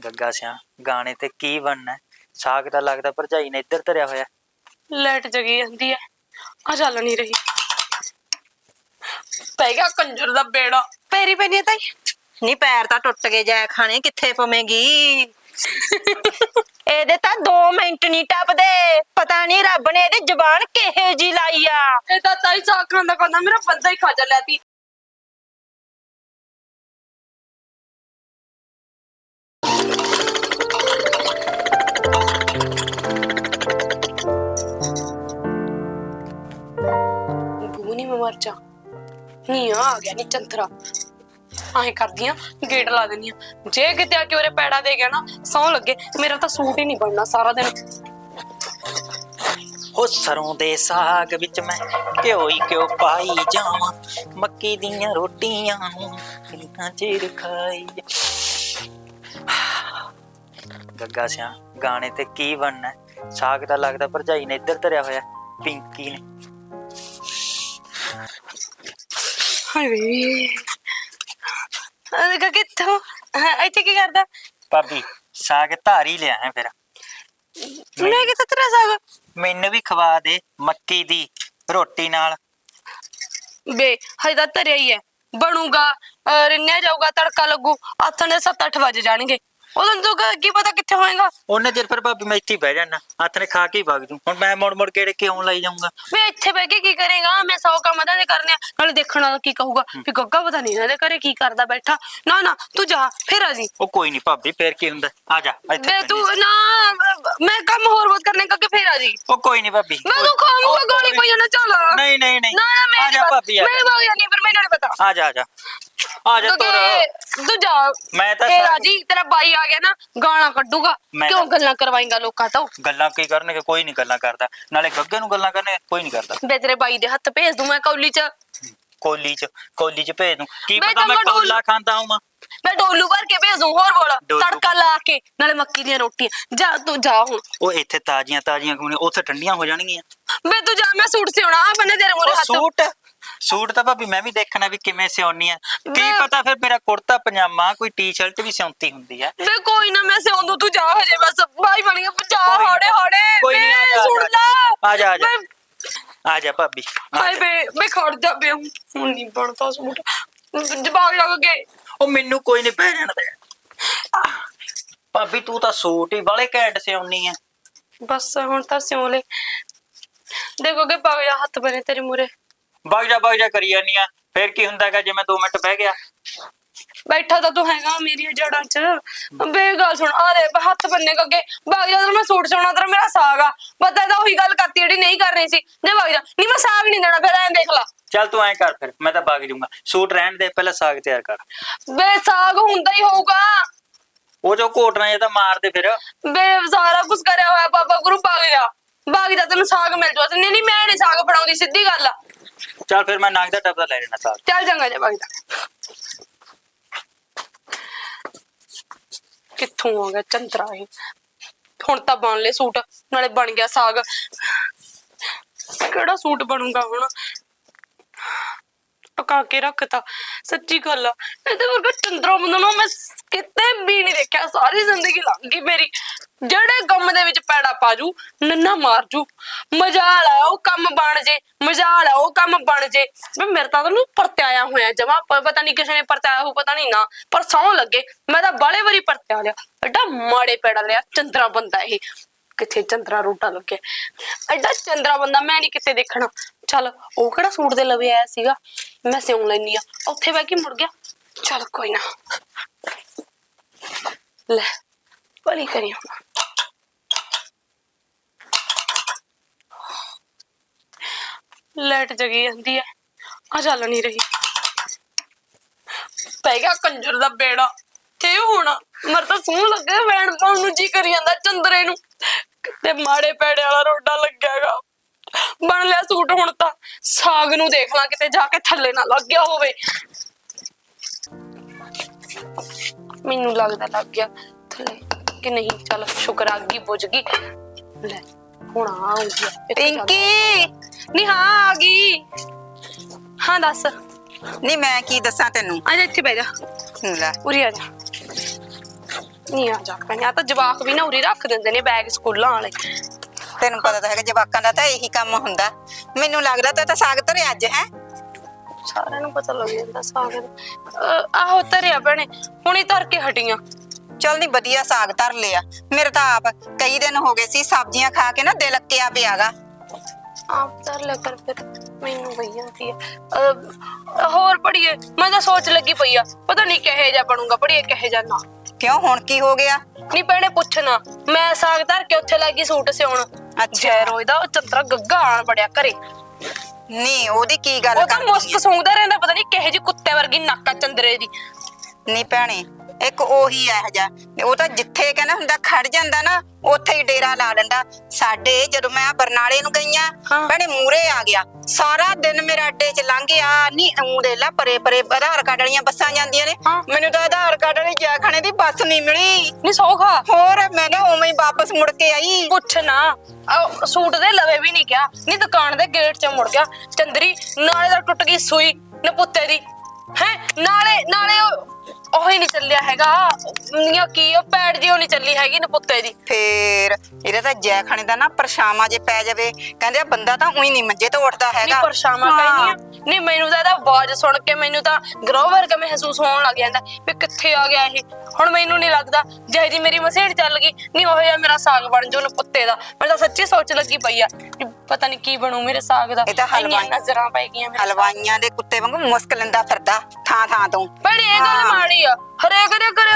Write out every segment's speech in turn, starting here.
ਗੱਗਾ ਸਿਆ ਗਾਣੇ ਤੇ ਕੀ ਬਣਨਾ ਹੈ? ਸਾਗ ਤਾਂ ਲੱਗਦਾ ਭਰਜਾਈ ਨੇ ਇੱਧਰ ਧਰਿਆ ਹੋਇਆ। ਲਾਈਟ ਜਗੀ ਜਾਂਦੀ ਹੈ, ਆ ਚੱਲ ਨਹੀਂ ਰਹੀ। ਪੈ ਗਿਆ ਕੰਜਰ ਦਾ ਬੇੜਾ। ਪੈਰੀ ਪੈਣੀ ਤਾਈ ਨੀ ਪੈਰ ਤਾਂ ਟੁੱਟ ਗਏ, ਜੈ ਖਾਣੇ ਕਿੱਥੇ ਪਵੇਂਗੀ। ਇਹਦੇ ਤਾਂ 2 ਮਿੰਟ ਨਹੀਂ ਟੱਪਦੇ। ਪਤਾ ਨਹੀਂ ਰੱਬ ਨੇ ਇਹਦੀ ਜ਼ਬਾਨ ਕਿਹੇ ਜੀ ਲਾਈ ਆ। ਇਹ ਤਾਂ ਤਾਈ ਸਾਗ ਖਾਂਦਾ ਖਾਂਦਾ ਮੇਰਾ ਬੰਦਾ ਹੀ ਖਾ ਚੱਲਿਆ ਤੀ। ਬੂਨੀ ਮੈਂ ਮਰ ਜਾ ਨੀ ਆ ਗਿਆ ਨੀ ਚੰਤਰਾ। ਆਏ ਕਰਦੀਆਂ ਗੇਟ ਲਾ ਦੇਣੀ ਆ। ਜੇ ਕਿਤੇ ਆ ਕੇ ਉਹਰੇ ਪੈੜਾ ਦੇ ਗਿਆ ਨਾ, ਸੌ ਲੱਗੇ ਮੇਰਾ ਤਾਂ ਸੂਟ ਹੀ ਨਹੀਂ ਬਣਨਾ ਸਾਰਾ ਦਿਨ। ਉਹ ਸਰੋਂ ਦੇ ਸਾਗ ਵਿੱਚ ਮੈਂ ਘਿਓ ਹੀ ਘਿਓ ਪਾਈ ਜਾਵਾਂ, ਮੱਕੀ ਦੀਆਂ ਰੋਟੀਆਂ ਨੂੰ ਕਿੰਨਾ ਚਿਰ ਖਾਈ। ਗੱਗਾ ਸਿਆ ਗਾਣੇ ਤੇ ਕੀ ਬਣਨਾ ਹੈ? ਸਾਗ ਤਾਂ ਲੱਗਦਾ ਭਰਜਾਈ ਨੇ ਇੱਧਰ ਧਰਿਆ ਹੋਇਆ, ਪਿੰਕੀ ਨੇ। ਹਾਏ ਕਿੱਥੋਂ ਇੱਥੇ ਕੀ ਕਰਦਾ? ਭਾਬੀ ਸਾਗ ਧਾਰੀ ਲਿਆ ਹੈ ਫਿਰ। ਮੈਂ ਕਿੱਥੇ ਤੇਰਾ ਸਾਗ? ਮੈਨੂੰ ਵੀ ਖਵਾ ਦੇ ਮੱਕੀ ਦੀ ਰੋਟੀ ਨਾਲ। ਬੇ ਹਜੇ ਤਾਂ ਧਰਿਆ ਹੀ ਹੈ, ਬਣੂਗਾ ਰਿੰਨਿਆ ਜਾਊਗਾ, ਤੜਕਾ ਲੱਗੂ, ਆਥਣ ਦੇ 7-8 ਵਜ ਜਾਣਗੇ। ਉਦੋਂ ਤੂੰ ਕੀ ਪਤਾ ਕਿੱਥੇ ਹੋਏਗਾ। ਉਹਨੇ ਚਿਰ ਫਿਰ ਭਾਬੀ ਮੈਂ ਇੱਥੇ ਹੀ ਬਹਿ ਜਾਣਾ, ਹੱਥ ਨੇ ਖਾ ਕੇ ਹੀ ਵਗ ਜੂ। ਹੁਣ ਮੈਂ ਮੁੜ ਮੁੜ ਕੇ ਕਿਉਂ ਲਾਈ ਜਾਊਂਗਾ? ਵੇ ਇੱਥੇ ਬਹਿ ਕੇ ਕੀ ਕਰੇਗਾ? ਮੈਂ 100 ਕੰਮ ਤਾਂ ਕਰਨੇ ਆ, ਨਾਲੇ ਦੇਖਣ ਵਾਲਾ ਕੀ ਕਹੂਗਾ ਵੀ ਗੱਗਾ ਪਤਾ ਨਹੀਂ ਇਹਦੇ ਘਰੇ ਕੀ ਕਰਦਾ ਬੈਠਾ। ਨਾ ਨਾ ਤੂੰ ਜਾ ਫਿਰ ਆ ਜੀ। ਉਹ ਕੋਈ ਨਹੀਂ ਭਾਬੀ, ਫੇਰ ਕੀ ਹੁੰਦਾ, ਆ ਜਾ ਇੱਥੇ। ਵੇ ਤੂੰ ਨਾ, ਮੈਂ ਕੰਮ ਹੋਰ ਬਹੁਤ ਕਰਨੇ ਕਰਕੇ ਫਿਰ ਆ ਜੀ। ਉਹ ਕੋਈ ਨਹੀਂ ਭਾਬੀ, ਮੈਂ ਤੂੰ ਖਾਊਂਗਾ ਗੋਲੀ ਪਈ ਜਾਣਾ। ਚੱਲ ਨਹੀਂ ਨਹੀਂ ਨਹੀਂ, ਨਾ ਨਾ ਮੈਂ ਆ ਜਾ ਭਾਬੀ, ਮੈਂ ਬਾਗ ਜਾਨੀ, ਪਰ ਮੈਨੂੰ ਨਹੀਂ ਪਤਾ। ਆ ਜਾ ਆ ਜਾ ਆ ਜਾ ਤੂੰ ਜਾ। ਮੈਂ ਤਾਂ ਫਿਰ ਆ ਜੀ, ਤੇਰਾ ਬਾਈ ਆ ਗਿਆ ਨਾ ਗਾਲਾਂ ਕੱਢੂਗਾ। ਕਿਉਂ ਗੱਲਾਂ ਕਰਵਾਏਂਗਾ ਲੋਕਾਂ ਤੋਂ? ਗੱਲਾਂ ਕੀ ਕਰਨਗੇ, ਕੋਈ ਨਹੀਂ ਗੱਲਾਂ ਕਰਦਾ। ਨਾਲੇ ਗੱਗੇ ਨੂੰ ਗੱਲਾਂ ਕਰਨੇ ਕੋਈ ਨਹੀਂ ਕਰਦਾ। ਵੇ ਤੇਰੇ ਬਾਈ ਦੇ ਹੱਥ ਭੇਜ ਦੂੰ ਮੈਂ ਕੌਲੀ ਚ ਭੇਜ ਦੂੰ। ਕੀ ਪਤਾ ਮੈਂ ਕੌਲਾ ਖਾਂਦਾ ਹਾਂ। ਮੈਂ ਡੋਲੂ ਭਰ ਕੇ ਭੇਜ ਦੂੰ। ਹੋਰ ਬੋਲ, ਤੜਕਾ ਲਾ ਕੇ ਨਾਲੇ ਮੱਕੀ ਦੀਆਂ ਰੋਟੀਆਂ। ਜਾ ਤੂੰ ਜਾ ਹੁਣ। ਉਹ ਇੱਥੇ ਤਾਜ਼ੀਆਂ ਖਾਣੇ, ਉੱਥੇ ਠੰਡੀਆਂ ਹੋ ਜਾਣਗੀਆਂ। ਵੇ ਤੂੰ ਜਾ, ਮੈਂ ਸੂਟ ਸਿਉਣਾ ਆ ਬੰਨੇ ਤੇਰੇ ਮੂਹਰੇ ਹੱਥ। ਸੂਟ ਤਾਂ ਭਾਬੀ ਮੈਂ ਵੀ ਦੇਖਣਾ ਵੀ ਕਿਵੇਂ ਸਿਉਣੀ ਆ। ਕੀ ਪਤਾ ਫਿਰ ਮੇਰਾ ਕੁੜਤਾ ਪਜਾਮਾ ਕੋਈ ਟੀ-ਸ਼ਰਟ ਵੀ ਸਿਉਂਤੀ ਹੁੰਦੀ ਆ। ਵੇ ਕੋਈ ਨਾ ਮੈਂ ਸਿਉਂ ਦੂੰ, ਤੂੰ ਜਾ ਹਜੇ ਬਸ। ਬਾਈ ਬਣ ਗਿਆ, ਜਾ ਹੌੜੇ ਹੌੜੇ। ਕੋਈ ਨਹੀਂ, ਆ ਜਾ ਆ ਜਾ ਭਾਬੀ। ਹਾਏ ਵੇ ਮੈਂ ਖੜ ਜਾ ਬੇ, ਹੁਣ ਨਹੀਂ ਬਣਦਾ ਸੂਟ। ਜਵਾਬ ਲੱਗ ਗਏ। ਉਹ ਮੈਨੂੰ ਕੋਈ ਨਹੀਂ ਪੈ ਜਾਣ ਦੇ ਭਾਬੀ, ਤੂੰ ਤਾਂ ਸੂਟ ਹੀ ਵਾਲੇ ਘੈਂਟ ਸਿਉਣੀ ਆ। ਬਸ ਹੁਣ ਤਾਂ ਸਿਉਂ ਲੈ। ਦੇਖੋਗੇ ਪਾ ਗਿਆ ਹੱਥ ਬਣੇ ਤੇਰੇ ਮੂਹਰੇ। ਵਗ ਜਾ ਕਰੀ ਜਾਨੀ ਆ। ਫੇਰ ਕੀ ਹੁੰਦਾਗਾ ਜੇ ਮੈਂ 2 ਮਿੰਟ ਬਹਿ ਗਿਆ? ਬੈਠਾ ਤਾਂ ਤੂੰ ਹੈਗਾ ਮੇਰੀਆਂ ਜੜਾਂ ਚ। ਬੇ ਗੱਲ ਸੁਣ, ਆ ਦੇ ਹੱਥ ਬੰਨੇ ਅੱਗੇ। ਵਗ ਜਾ, ਮੈਂ ਸੂਟ ਸਿਉਣਾ, ਤੇਰਾ ਮੇਰਾ ਸਾਗ ਆ। ਪਤਾ ਤਾਂ ਉਹੀ ਗੱਲ ਕਰਤੀ ਜਿਹੜੀ ਨਹੀਂ ਕਰਨੀ ਸੀ। ਜੇ ਵਗ ਜਾ, ਨਹੀਂ ਮੈਂ ਸਾਗ ਨਹੀਂ ਦੇਣਾ। ਫਿਰ ਐਂ ਦੇਖ ਲਾ। ਚੱਲ ਤੂੰ ਐਂ ਕਰ, ਫਿਰ ਮੈਂ ਤਾਂ ਵਗ ਜਾਊਂਗਾ। ਸੂਟ ਰਹਿਣ ਦੇ, ਪਹਿਲਾਂ ਸਾਗ ਤਿਆਰ ਕਰ। ਬੇ ਸਾਗ ਹੁੰਦਾ ਹੀ ਹੋਊਗਾ। ਉਹ ਜੋ ਘੋਟਣਾ ਇਹ ਤਾਂ ਮਾਰ ਦੇ ਫਿਰ। ਬੇ ਸਾਰਾ ਕੁਝ ਕਰਿਆ ਹੋਇਆ ਬਾਬਾ ਗੁਰੂ। ਵਗ ਜਾ ਤੈਨੂੰ ਸਾਗ ਮਿਲ ਜੂ। ਨਹੀਂ ਮੈਂ ਨਹੀਂ ਸਾਗ ਬਣਾਉਂਦੀ, ਸਿੱਧੀ ਗੱਲ ਆ। ਚੱਲ ਫਿਰ ਮੈਂ ਨੰਗ ਦਾ ਟੱਬਦਾ ਲੈ ਲੈਣਾ ਸਾਗ। ਚੱਲ ਚੰਗਾ ਜਾ, ਵਗ ਜਾ। ਕਿੱਥੋਂ ਆ ਗਿਆ ਚੰਤਰਾ ਇਹ? ਹੁਣ ਤਾਂ ਬਣ ਲੈ ਸੂਟ, ਨਾਲੇ ਬਣ ਗਿਆ ਸਾਗ। ਕਿਹੜਾ ਸੂਟ ਬਣੂਗਾ ਹੁਣ? ਪਕਾ ਕੇ ਰੱਖਤਾ। ਸੱਚੀ ਗੱਲ ਆ, ਇਹਦੇ ਵਰਗਾ ਚੰਦਰਾ ਬੰਦਾ ਨਾ ਮੈਂ ਕਿਤੇ ਵੀ ਨਹੀਂ ਦੇਖਿਆ। ਸਾਰੀ ਜ਼ਿੰਦਗੀ ਲੰਘ ਗਈ ਮੇਰੀ। ਜਿਹੜੇ ਕੰਮ ਦੇ ਵਿੱਚ ਪੈੜਾ ਪਾਜੂ, ਨੰਨਾ ਮਾਰ ਜੂ। ਮਜਾਲ ਆ ਉਹ ਕੰਮ ਬਣ ਜੇ, ਮਜਾਲ ਆ ਉਹ ਕੰਮ ਬਣ ਜੇ। ਮੈਂ ਮੇਰੇ ਤਾਂ ਉਹਨੂੰ ਪਰਤਿਆਇਆ ਹੋਇਆ ਜਮਾ। ਪਤਾ ਨਹੀਂ ਕਿਸੇ ਨੇ ਪਰਤਿਆਇਆ ਹੋ, ਪਤਾ ਨਹੀਂ ਨਾ, ਪਰ ਸੌਂ ਲੱਗੇ ਮੈਂ ਤਾਂ ਬਾਲੇ ਵਾਰੀ ਪਰਤਿਆ ਲਿਆ। ਐਡਾ ਮਾੜੇ ਪੈੜਾ ਲਿਆ ਚੰਦਰਾ ਬੰਦਾ ਇਹ। ਕਿੱਥੇ ਚੰਦਰਾ ਰੋਟਾ ਲੱਗਿਆ, ਐਡਾ ਚੰਦਰਾ ਬੰਦਾ ਮੈਂ ਨਹੀਂ ਕਿਤੇ ਦੇਖਣਾ। ਚੱਲ ਉਹ ਕਿਹੜਾ ਸੂਟ ਦੇ ਲਵੇ ਆਇਆ ਸੀਗਾ, ਮੈਂ ਸਿਉਂ ਲੈਣੀ ਆ। ਉੱਥੇ ਬਹਿ ਕੇ ਮੁੜ ਗਿਆ। ਚੱਲ ਕੋਈ ਨਾ, ਲੈ ਭਲੀ ਕਰੀ ਹੁਣ। ਲਾਈਟ ਜਗੀ ਜਾਂਦੀ ਹੈ, ਆ ਚੱਲ ਨਹੀਂ ਰਹੀ। ਪੈ ਗਿਆ ਕੰਜਰ ਦਾ ਬੇੜਾ। ਤੇ ਹੁਣ ਮਰ ਤਾਂ ਸੂਹ ਲੱਗੇ, ਵੈਣ ਪਾਉਣ ਨੂੰ ਜੀ ਕਰੀ ਜਾਂਦਾ ਚੰਦਰੇ ਨੂੰ। ਕਿਤੇ ਮਾੜੇ ਪੈੜੇ ਵਾਲਾ ਰੋਡਾ ਲੱਗਿਆਗਾ। ਬਣ ਲਿਆ ਸੂਟ। ਹੁਣ ਤਾਂ ਸਾਗ ਨੂੰ ਦੇਖ ਲਾਂ ਕਿਤੇ ਜਾ ਕੇ ਥੱਲੇ ਨਾ ਲੱਗ ਗਿਆ ਹੋਵੇ। ਮੈਨੂੰ ਲੱਗਦਾ ਲੱਗ ਗਿਆ ਥੱਲੇ ਕਿ ਨਹੀਂ। ਚੱਲ ਸ਼ੁਕਰ ਆ ਗਈ, ਬੁੱਝ ਗਈ। ਲੈ ਹੁਣ ਆਉਂਗੀ ਪਿੰਕੀ। ਨਹੀਂ ਹਾਂ ਆ ਗਈ। ਹਾਂ ਦੱਸ। ਨਹੀਂ ਮੈਂ ਕੀ ਦੱਸਾਂ ਤੈਨੂੰ। ਆ ਜਾ ਇੱਥੇ ਬਹਿ ਜਾ। ਲੈ ਉਰੀ ਆ ਜਾ। ਨਹੀਂ ਆ ਜਾ ਭੈਣੇ, ਆ ਤਾਂ ਜਵਾਕ ਵੀ ਨਾ ਉਰੀ ਰੱਖ ਦਿੰਦੇ ਨੇ ਬੈਗ ਸਕੂਲਾਂ ਵਾਲੇ। ਤੈਨੂੰ ਪਤਾ ਤਾਂ ਹੈਗਾ ਜਵਾਕਾਂ ਦਾ ਤਾਂ ਇਹੀ ਕੰਮ ਹੁੰਦਾ। ਮੈਨੂੰ ਲੱਗਦਾ ਤਾਂ ਸਾਗ ਧਰਿਆ ਅੱਜ ਹੈ। ਸਾਰਿਆਂ ਨੂੰ ਪਤਾ ਲੱਗ ਜਾਂਦਾ ਸਾਗ ਦਾ। ਆਹੋ ਧਰਿਆ ਭੈਣੇ, ਹੁਣੀ ਧਰ ਕੇ ਹਟੀਆਂ। ਚੱਲ ਨੀ ਵਧੀਆ ਸਾਗ ਧਰ ਲਿਆ। ਮੇਰੇ ਤਾਂ ਆਪ ਕਈ ਦਿਨ ਹੋ ਗਏ ਸੀ ਸਬਜ਼ੀਆਂ ਖਾ ਕੇ ਨਾ ਦਿਲ ਅੱਕਿਆ ਪਿਆਗਾ। ਆਪ ਧਰ ਲਿਆ ਕਰ ਫਿਰ, ਮੈਨੂੰ ਪਈ ਜਾਂਦੀ ਆ। ਹੋਰ ਪੜੀਏ, ਮੈਂ ਤਾਂ ਸੋਚ ਲੱਗੀ ਪਈ ਆ, ਪਤਾ ਨਹੀਂ ਕਿਹੇ ਜਾ ਬਣੂਗਾ ਪੜੀਏ ਕਿਹੇ ਜਾ ਨਾ। ਕਿਉਂ ਹੁਣ ਕੀ ਹੋ ਗਿਆ? ਨਹੀਂ ਭੈਣੇ ਪੁੱਛਣਾ, ਮੈਂ ਸਾਗ ਧਰ ਕੇ ਉੱਥੇ ਲੱਗੀ ਸੂਟ ਸਿਉਣ। ਜੈ ਰੋਜ਼ ਦਾ ਉਹ ਚੰਤਰਾ ਗੱਗਾ ਆਣ ਬੜਿਆ ਘਰੇ। ਨੀ ਉਹਦੀ ਕੀ ਗੱਲ ਉਹ ਤਾਂ ਕਰਦੀ ਮੁਸਕ ਸੌਂਦਾ ਰਹਿੰਦਾ, ਪਤਾ ਨਹੀਂ ਕਿਹੇ ਜੀ ਕੁੱਤੇ ਵਰਗੀ ਨੱਕ ਆ ਚੰਦਰੇ ਦੀ। ਨੀ ਭੈਣੇ ਇੱਕ ਉਹੀ ਇਹੋ ਜਿਹਾ, ਉਹ ਤਾਂ ਜਿੱਥੇ ਕਹਿੰਦਾ ਹੁੰਦਾ ਖੜ ਜਾਂਦਾ ਨਾ ਉੱਥੇ ਹੀ ਡੇਰਾ ਲਾ ਲੈਂਦਾ। ਸਾਡੇ ਜਦੋਂ ਮੈਂ ਬਰਨਾਲੇ ਨੂੰ ਗਈਆਂ ਹਾਂ। ਭੈਣੇ ਮੂਰੇ ਆ ਗਿਆ, ਸਾਰਾ ਦਿਨ ਮੇਰਾ ਅੱਡੇ 'ਚ ਲੰਘ ਗਿਆ। ਨੀ ਦੇ ਲਾ ਪਰੇ ਪਰੇ ਆਧਾਰ ਕਾਰਡ ਵਾਲੀਆਂ ਬੱਸਾਂ ਜਾਂਦੀਆਂ ਨੇ, ਹਾਂ। ਮੈਨੂੰ ਤਾਂ ਆਧਾਰ ਕਾਰਡ ਵਾਲੀ ਜੈਖਾਨੇ ਦੀ ਬੱਸ ਨਹੀਂ ਮਿਲੀ। ਨਹੀਂ ਸੌਖਾ ਹੋਰ ਮੈਂ ਨਾ ਉਵੇਂ ਹੀ ਵਾਪਸ ਮੁੜ ਕੇ ਆਈ। ਪੁੱਛਣਾ, ਸੂਟ ਦੇ ਲਵੇ ਵੀ ਨਹੀਂ ਗਿਆ, ਨਹੀਂ ਦੁਕਾਨ ਦੇ ਗੇਟ 'ਚ ਮੁੜ ਗਿਆ। ਚੰਦਰੀ ਨਾਲੇ ਦਾ ਟੁੱਟ ਗਈ ਸੂਈ ਨਪੁੱਤੇ ਦੀ ਹੈ, ਨਾਲੇ ਉਹ ਹੀ ਨਹੀਂ ਚੱਲਿਆ ਹੈਗਾ। ਨੀਆਂ ਕੀ ਉਹ ਪੈੜ ਜੀ ਉਹ ਨਹੀਂ ਚੱਲੀ ਹੈਗੀ ਨਪੁੱਤੇ ਦੀ। ਫੇਰ ਇਹਦਾ ਤਾਂ ਜੈਖਾਨੇ ਦਾ ਨਾ ਪਰਛਾਵਾਂ ਜੇ ਪੈ ਜਾਵੇ, ਕਹਿੰਦੇ ਆ ਬੰਦਾ ਤਾਂ ਉਹੀ ਨਹੀਂ ਮੰਜੇ ਤੋਂ ਉੱਠਦਾ ਨਹੀਂ ਹੈਗਾ। ਪਰਛਾਵਾਂ ਕਹਿੰਦੀ ਆ। ਨਹੀਂ ਮੈਨੂੰ ਤਾਂ ਇਹਦਾ ਆਵਾਜ਼ ਸੁਣ ਕੇ ਮੈਨੂੰ ਤਾਂ ਗਰੋਹ ਵਰਗਾ ਮਹਿਸੂਸ ਹੋਣ ਲੱਗ ਜਾਂਦਾ ਵੀ ਕਿੱਥੇ ਆ ਗਿਆ ਇਹ। ਹੁਣ ਮੈਨੂੰ ਨਹੀਂ ਲੱਗਦਾ ਜਿਹੇ ਜੀ ਮੇਰੀ ਮਸੇੜ ਚੱਲ ਗਈ ਨਹੀਂ ਉਹ ਜਿਹਾ ਮੇਰਾ ਸਾਗ ਬਣ ਜੂ ਨਪੁੱਤੇ ਦਾ। ਮੈਂ ਤਾਂ ਸੱਚੀ ਸੋਚ ਲੱਗੀ ਪਈ ਆ ਪਤਾ ਨਹੀਂ ਕੀ ਬਣੂ ਮੇਰੇ ਸਾਗ ਦਾ। ਇਹ ਤਾਂ ਨਜ਼ਰਾਂ ਪੈ ਗਈਆਂ ਮੇਰੇ। ਹਲਵਾਈਆਂ ਦੇ ਕੁੱਤੇ ਵਾਂਗੂ ਮੁਸਕ ਲੈਂਦਾ ਫਿਰਦਾ ਥਾਂ ਥਾਂ ਤੋਂ। ਭੈਣੇ ਇਹ ਗੱਲ ਮਾੜੀ ਆ, ਹਰੇਕ ਦੇ ਘਰ